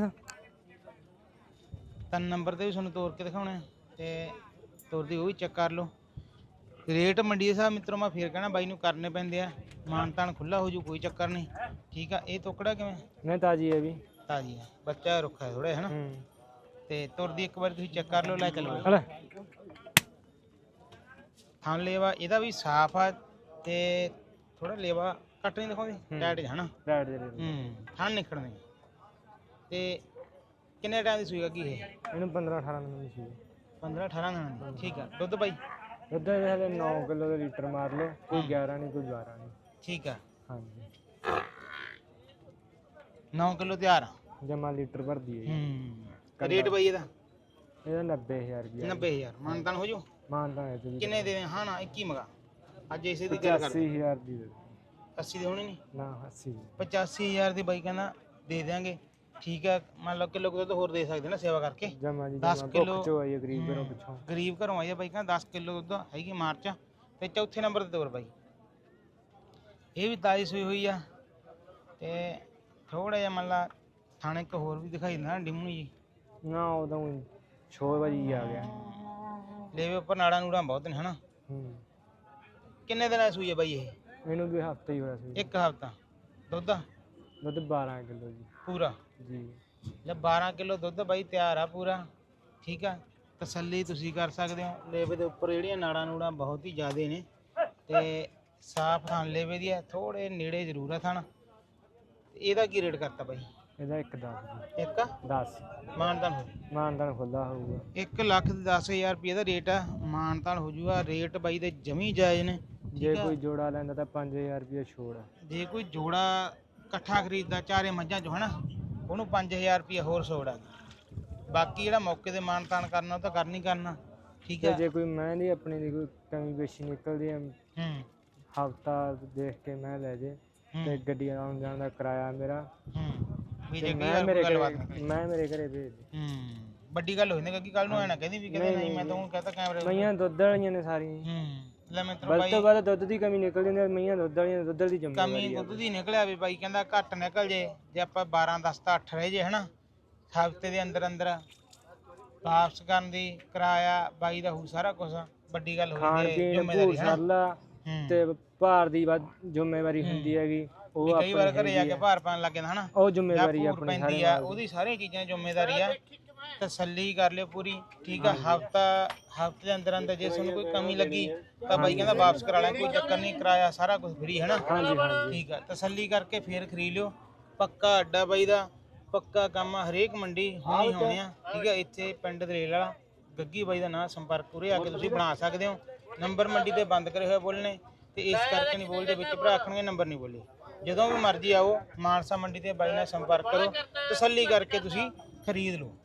ਤਿੰਨ ਨੰਬਰ ਤੇ ਵੀ ਤੁਹਾਨੂੰ ਤੋਰ ਕੇ ਦਿਖਾਉਣਾ ਤੇ ਤੋਰਦੀ ਉਹ ਵੀ ਚੈੱਕ ਕਰ ਲਓ। ਰੇਟ ਮੰਡੀ ਦੇ ਹਿਸਾਬ ਮਿੱਤਰੋ ਮੈਂ ਫੇਰ ਕਹਿਣਾ ਬਾਈ ਨੂੰ ਕਰਨੇ ਪੈਂਦੇ ਆ। ਮਾਨਤਾਨ ਖੁੱਲਾ ਹੋ ਜੂ, ਕੋਈ ਚੱਕਰ ਨਹੀਂ। ਠੀਕ ਆ। ਇਹ ਤੋਕੜਾ ਕਿਵੇਂ? ਨਹੀਂ ਤਾਜੀ ਹੈ ਵੀ। ਤਾਜੀ ਹੈ, ਬੱਚਾ ਰੁੱਖਾ ਹੈ ਥੋੜਾ ਹਨਾ। ਤੇ ਤੁਰਦੀ ਇੱਕ ਵਾਰ ਤੁਸੀਂ ਚੈੱਕ ਕਰ ਲਓ। ਲੈ ਚਲੋ। ਥਾਂ ਲੇਵਾ ਇਹਦਾ ਵੀ ਸਾਫ ਆ ਤੇ ਥੋੜਾ ਲੇਵਾ ਕੱਟ ਨਹੀਂ ਦਿਖਾਉਂਦੇ ਟਾਈਟ ਹਨਾ। ਟਾਈਟ ਦੇ ਹੂੰ। ਥਾਂ ਨਿਕੜਨੇ। ਤੇ ਕਿੰਨੇ ਟਾਈਮ ਦੀ ਸੂਈ ਹੈਗੀ ਇਹ? ਇਹਨੂੰ ਪੰਦਰਾਂ ਅਠਾਰਾਂ ਦਿਨ ਦੀ ਸੀ। ਪੰਦਰਾਂ ਅਠਾਰਾਂ ਦਿਨ ਦੀ? ਠੀਕ ਆ। ਦੁੱਧ ਬਾਈ? ਦੁੱਧ ਹਲੇ ਨੌ ਕਿਲੋ ਦਾ ਲੀਟਰ ਮਾਰ ਲਓ, ਕੋਈ ਗਿਆਰਾਂ ਨਹੀਂ ਕੋਈ ਬਾਰਾਂ ਨਹੀਂ। ਠੀਕ ਆ। ਹਾਂਜੀ। ਨੌ ਕਿਲੋ ਤਿਆਰ ਆ? ਜਮਾ ਲੀਟਰ ਭਰਦੀ ਹੈ। ਹੂੰ। ਰੇਟ ਬਾਈ ਇਹਦਾ? ਇਹਦਾ ਨੱਬੇ ਹਜ਼ਾਰ ਰੁਪਇਆ। ਨੱਬੇ ਹਜ਼ਾਰ? ਮਾਨਤਾਨ ਹੋ ਜੂ? ਮਾਨਤਾਨ ਹੈ ਜੀ। ਕਿੰਨੇ ਦੇ ਦੇ? ਹਾਂ ਨਾ ਇੱਕੀ ਮਗਾ ਅੱਜ ਇਸੇ ਦੀ ਗੱਲ ਕਰ। ਅੱਸੀ ਹਜ਼ਾਰ ਦੀ ਦੇ। ਅੱਸੀ ਦੀ ਹੋਣੀ ਨਹੀਂ? ਨਾ ਅੱਸੀ। ਪਚਾਸੀ ਹਜ਼ਾਰ ਦੀ ਬਾਈ ਕਹਿੰਦਾ ਦੇ ਦਿਆਂਗੇ। ਠੀਕ ਆ। ਮੰਨ ਲਓ ਕਿਲੋ ਕੁ ਦੁੱਧ ਹੋਰ ਦੇ ਸਕਦੇ ਨਾ ਸੇਵਾ ਕਰਕੇ। ਜਮਾ ਜੀ ਦਸ ਕਿਲੋ ਚੋ ਆਈ ਗਰੀਬ ਘਰੋਂ ਪਿੱਛੋਂ। ਗਰੀਬ ਘਰੋਂ ਆਈ ਆ ਬਾਈ ਕਹਿੰਦਾ ਦਸ ਕਿਲੋ ਦੁੱਧ ਹੈਗੀ ਮਾਰਚ। ਤੇ ਚੌਥੇ ਨੰਬਰ ਤੇ ਤੋਰ ਬਾਈ ਇਹ ਵੀ ਤਾਜੀ ਸੂਈ ਹੋਈ ਆ। ਤੇ ਥੋੜਾ ਜਿਹਾ ਮੰਨ ਲਾ ਥਾਣੇ ਇੱਕ ਹੋਰ ਵੀ ਦਿਖਾਈ ਦਿੰਦਾ ਡਿਮੂ ਜੀ ਨਾ, ਉਦੋਂ ਛੇ ਵਜੇ ਆ ਗਿਆ। ਲੇਵੇ ਉੱਪਰ ਨਾੜਾ ਨੂੜਾ ਬਹੁਤ ਨੇ ਹਨਾ। ਹੂੰ। ਕਿੰਨੇ ਦਿਨਾਂ ਦੀ ਸੂਈ ਹੈ ਬਾਈ ਇਹ? ਇਹਨੂੰ ਵੀ ਹਫਤਾ ਹੀ ਹੋਇਆ ਸੀ। ਇੱਕ ਹਫਤਾ? ਦੁੱਧ? ਦੁੱਧ ਬਾਰਾਂ ਕਿਲੋ ਜੀ ਪੂਰਾ ਜੀ। ਲੈ ਬਾਰਾਂ ਕਿਲੋ ਦੁੱਧ ਬਾਈ ਤਿਆਰ ਆ ਪੂਰਾ। ਠੀਕ ਆ। ਤਸੱਲੀ ਤੁਸੀਂ ਕਰ ਸਕਦੇ ਹੋ। ਲੇਵੇ ਦੇ ਉੱਪਰ ਜਿਹੜੀਆਂ ਨਾੜਾਂ ਨੂੜਾਂ ਬਹੁਤ ਹੀ ਜ਼ਿਆਦੇ ਨੇ ਤੇ ਸਾਫ ਥਾਂ ਲੇਵੇ ਦੀ ਹੈ। ਥੋੜੇ ਨੇੜੇ ਜ਼ਰੂਰ ਆ ਥਣ। ਇਹਦਾ ਕੀ ਰੇਟ ਕਰਤਾ ਬਾਈ? ਇਹਦਾ ਇੱਕ ਦਸ। ਇੱਕ ਦਸ ਮਾਨਤਾਨ ਹੋ? ਮਾਨਤਾਨ ਖੁੱਲਾ ਹੋਊਗਾ। ਇੱਕ ਲੱਖ ਤੇ ਦਸ ਹਜ਼ਾਰ ਰੁਪਏ ਦਾ ਰੇਟ ਆ। ਮਾਨਤਾਨ ਹੋ ਜੂਗਾ। ਰੇਟ ਬਾਈ ਦੇ ਜਮੀ ਜਾਇਜ਼ ਨੇ। ਜੇ ਕੋਈ ਜੋੜਾ ਲੈਂਦਾ ਤਾਂ ਪੰਜ ਹਜ਼ਾਰ ਰੁਪਏ ਛੋੜ ਆ। ਜੇ ਕੋਈ ਜੋੜਾ ਇਕੱਠਾ ਖਰੀਦਦਾ ਚਾਰੇ ਮੱਝਾਂ ਚੋਂ ਹਨਾ, ਉਹਨੂੰ ਪੰਜ ਹਜ਼ਾਰ ਰੁਪਏ ਹੋਰ ਛੋੜ ਆ। ਬਾਕੀ ਜਿਹੜਾ ਮੌਕੇ ਤੇ ਮਾਨਤਾਨ ਕਰਨਾ ਉਹ ਤਾਂ ਕਰਨੀ ਕਰਨਾ। ਠੀਕ ਹੈ। ਜੇ ਕੋਈ ਮੈਂ ਦੀ ਆਪਣੀ ਦੀ ਕੋਈ ਕਮੀ ਪੇਸ਼ੀ ਨਿਕਲਦੀ ਹੈ, ਹੂੰ, ਹਫਤਾ ਦੇਖ ਕੇ ਮੈਂ ਲੈ ਜੇ ਤੇ ਗੱਡੀ ਆਉਣ ਜਾਣ ਦਾ ਕਿਰਾਇਆ ਮੇਰਾ। ਹੂੰ। ਵੀ ਜੇ ਤੇ ਕੀ ਮੈਂ ਮੇਰੇ ਗੱਲਬਾਤ ਘਰੇ ਨਿਕਲੀ। ਮੈਂ ਮੇਰੇ ਘਰੇ ਭੇਜ ਦੇ। ਹੂੰ। ਵੱਡੀ ਗੱਲ ਹੋ ਜਾਂਦੀ ਕਿ ਕੱਲ ਨੂੰ ਐ ਨਾ ਕਹਿੰਦੀ ਵੀ ਕਹਿੰਦੇ ਨਹੀਂ ਮੈਂ ਤਾਂ ਉਹ ਕਹਤਾ ਕੈਮਰੇ। ਮਈਆਂ ਦੁੱਧ ਵਾਲੀਆਂ ਨੇ ਸਾਰੀਆਂ। ਹੂੰ। ਲੈ ਮਿੱਤਰੋ ਵੱਧ ਬਾਈ ਤੋਂ ਵੱਧ ਦੁੱਧ ਦੀ ਕਮੀ ਨਿਕਲ ਜਾਂਦੀ ਹੈ। ਮਈਆਂ ਦੁੱਧ ਵਾਲੀਆਂ ਦੁੱਧ ਦੀ ਕਮੀ ਜ਼ਿੰਮੇਵਾਰੀ ਆ। ਦੁੱਧ ਦੀ ਨਿਕਲਿਆ ਵੀ ਬਾਈ ਕਹਿੰਦਾ ਘੱਟ ਨਿਕਲ ਜੇ। ਜੇ ਆਪਾਂ ਬਾਰਾਂ ਦਸ ਤਾਂ ਅੱਠ ਰਹਿ ਜੇ ਹਨਾ ਹਫ਼ਤੇ ਦੇ ਅੰਦਰ ਅੰਦਰ ਵਾਪਸ ਕਰਨ ਦੀ ਕਿਰਾਇਆ ਬਾਈ ਦਾ ਹੋਊ ਸਾਰਾ ਕੁਝ। ਵੱਡੀ ਗੱਲ ਖਾਣ ਹੋਈ ਪੀਣ ਜ਼ਿੰਮੇਵਾਰੀ ਹੈ ਮਸਾਲਾ ਤੇ ਭਾਰ ਦੀ ਵੱਧ ਜ਼ਿੰਮੇਵਾਰੀ ਹੁੰਦੀ ਹੈਗੀ। ਉਹ ਕਈ ਵਾਰ ਘਰੇ ਜਾ ਕੇ ਭਾਰ ਪਾਣ ਲੱਗ ਜਾਂਦਾ ਹਨਾ। ਉਹ ਜ਼ਿੰਮੇਵਾਰੀ ਜਾਂ ਆਪਣੀ ਪੈਂਦੀ ਆ ਉਹਦੀ ਸਾਰੀਆਂ ਚੀਜ਼ਾਂ ਜ਼ਿੰਮੇਵਾਰੀ ਆ। ਤਸੱਲੀ ਕਰ ਲਿਓ ਪੂਰੀ। ਠੀਕ ਆ। ਹਫਤਾ ਹਫਤੇ ਦੇ ਅੰਦਰ ਅੰਦਰ ਜੇ ਤੁਹਾਨੂੰ ਕੋਈ ਕਮੀ ਲੱਗੀ ਤਾਂ ਬਾਈ ਕਹਿੰਦਾ ਵਾਪਸ ਕਰਾ ਲੈ, ਕੋਈ ਚੱਕਰ ਨਹੀਂ। ਕਿਰਾਇਆ ਸਾਰਾ ਕੁਝ ਫ੍ਰੀ ਹੈ ਨਾ। ਹਾਂਜੀ ਹਾਂਜੀ। ਠੀਕ ਆ। ਤਸੱਲੀ ਕਰਕੇ ਫੇਰ ਖਰੀਦ ਲਿਓ। ਪੱਕਾ ਅੱਡਾ ਬਾਈ ਦਾ, ਪੱਕਾ ਕੰਮ ਆ। ਹਰੇਕ ਮੰਡੀ ਹੋਣੀ ਹੋਣੀ ਆ। ਠੀਕ ਆ। ਇੱਥੇ ਪਿੰਡ ਦਰੇਲ ਵਾਲਾ ਗੱਗੀ ਬਾਈ ਦਾ ਨਾਂ ਸੰਪਰਕ ਉਰੇ ਆ ਕੇ ਤੁਸੀਂ ਬਣਾ ਸਕਦੇ ਹੋ। ਨੰਬਰ ਮੰਡੀ ਤੇ ਬੰਦ ਕਰੇ ਹੋਏ ਬੋਲਣੇ ਤੇ ਇਸ ਕਰਕੇ ਨਹੀਂ ਬੋਲਦੇ, ਵਿੱਚ ਭਰਾ ਆਖਣਗੇ ਨੰਬਰ ਨਹੀਂ ਬੋਲੇ। ਜਦੋਂ ਵੀ ਮਰਜ਼ੀ ਆਓ ਮਾਨਸਾ ਮੰਡੀ ਤੇ ਬਾਈ ਨਾਲ ਸੰਪਰਕ ਕਰੋ, ਤਸੱਲੀ ਕਰਕੇ ਤੁਸੀਂ ਖਰੀਦ ਲਓ।